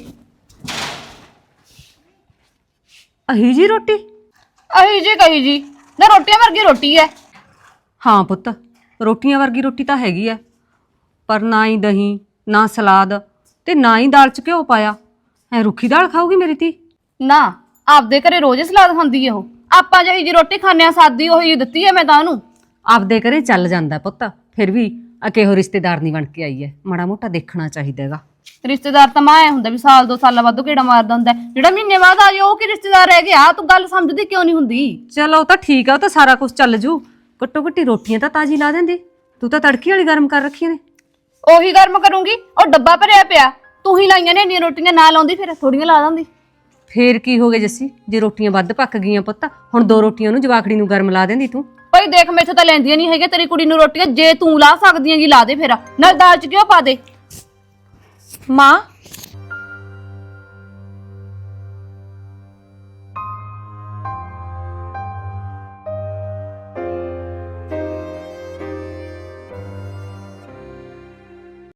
ਅਹੀ ਜੀ ਰੋਟੀ? ਅਹੀ ਜੀ ਕਹੀ ਜੀ ਨਾ, ਰੋਟੀਆਂ ਵਰਗੀ ਰੋਟੀ ਐ। ਹਾਂ ਪੁੱਤ, ਰੋਟੀਆਂ ਵਰਗੀ ਰੋਟੀ ਤਾਂ ਹੈਗੀ ਐ, ਪਰ ਨਾ ਹੀ ਦਹੀਂ, ਨਾ ਸਲਾਦ ਤੇ ਨਾ ਹੀ ਦਾਲ ਚ ਘਿਓ ਪਾਇਆ। ਐ ਰੁੱਖੀ ਦਾਲ ਖਾਊਗੀ ਮੇਰੀ ਧੀ? ਨਾ ਆਪਦੇ ਘਰੇ ਰੋਜ਼ ਹੀ ਸਲਾਦ ਖਾਂਦੀ ਐ ਉਹ। ਆਪਾਂ ਜਿਹੀ ਜੀ ਰੋਟੀ ਖਾਂਦੇ ਆ ਸਾਦੀ, ਉਹੀ ਦਿੱਤੀ ਐ ਮੈਂ ਤਾਂ ਉਹਨੂੰ। ਆਪਦੇ ਘਰੇ ਚੱਲ ਜਾਂਦਾ ਪੁੱਤ, ਫਿਰ ਵੀ ਆ ਕਿਹੋ ਰਿਸ਼ਤੇਦਾਰ ਨਹੀਂ ਬਣ ਕੇ ਆਈ ਐ, ਮਾੜਾ ਮੋਟਾ ਦੇਖਣਾ ਚਾਹੀਦਾ ਹੈਗਾ। ਰਿਸ਼ਤੇਦਾਰ ਤਾਂ ਮਾਂ ਐ ਹੁੰਦਾ ਵੀ ਸਾਲ ਦੋ ਸਾਲਾਂ ਬਾਅਦ ਕਿਹੜਾ ਮਾਰਦਾ ਹੁੰਦਾ ਹੈ। ਜਿਹੜਾ ਮਹੀਨੇ ਬਾਅਦ ਆ ਜਾ ਉਹ ਕੀ ਰਿਸ਼ਤੇਦਾਰ ਰਹਿ ਗਿਆ? ਤੂੰ ਗੱਲ ਸਮਝਦੀ ਕਿਉਂ ਨਹੀਂ ਹੁੰਦੀ? ਚਲੋ ਉਹ ਤਾਂ ਠੀਕ ਆ, ਉਹ ਤਾਂ ਸਾਰਾ ਕੁਝ ਚੱਲ ਜੂ। ਘੱਟੋ ਘੱਟੀ ਰੋਟੀਆਂ ਤਾਂ ਤਾਜ਼ੀ ਲਾ ਦਿੰਦੀ, ਤੂੰ ਤਾਂ ਤੜਕੀ ਵਾਲੀ ਗਰਮ ਕਰ ਰੱਖੀਆਂ ਨੇ। ਉਹੀ ਗਰਮ ਕਰੂੰਗੀ, ਉਹ ਡੱਬਾ ਭਰਿਆ ਪਿਆ, ਤੂੰ ਹੀ ਲਾਈਆਂ ਨੇ ਇੰਨੀਆਂ ਰੋਟੀਆਂ। ਨਾ ਲਾਉਂਦੀ ਫਿਰ ਥੋੜੀਆਂ ਲਾ ਦਿੰਦੀ। ਫੇਰ ਕੀ ਹੋ ਗਿਆ ਜੱਸੀ, ਜੇ ਰੋਟੀਆਂ ਵੱਧ ਪੱਕ ਗਈਆਂ ਪੁੱਤ, ਹੁਣ ਦੋ ਰੋਟੀਆਂ ਉਹਨੂੰ ਜਵਾਕੜੀ ਨੂੰ ਗਰਮ ਲਾ ਦਿੰਦੀ ਤੂੰ। ਭਾਈ ਦੇਖ ਮੈਥੋਂ ਤਾਂ ਲੈਂਦੀਆਂ ਨਹੀਂ ਹੈਗੇ ਤੇਰੀ ਕੁੜੀ ਨੂੰ ਰੋਟੀਆਂ। ਜੇ ਤੂੰ ਲਾ ਸਕਦੀ ਹੈਗੀ ਲਾ ਦੇ, ਫਿਰ ਨਾਲ ਦਾਲ ਚ ਕਿਉਂ ਪਾ ਦੇ। ਮਾਂ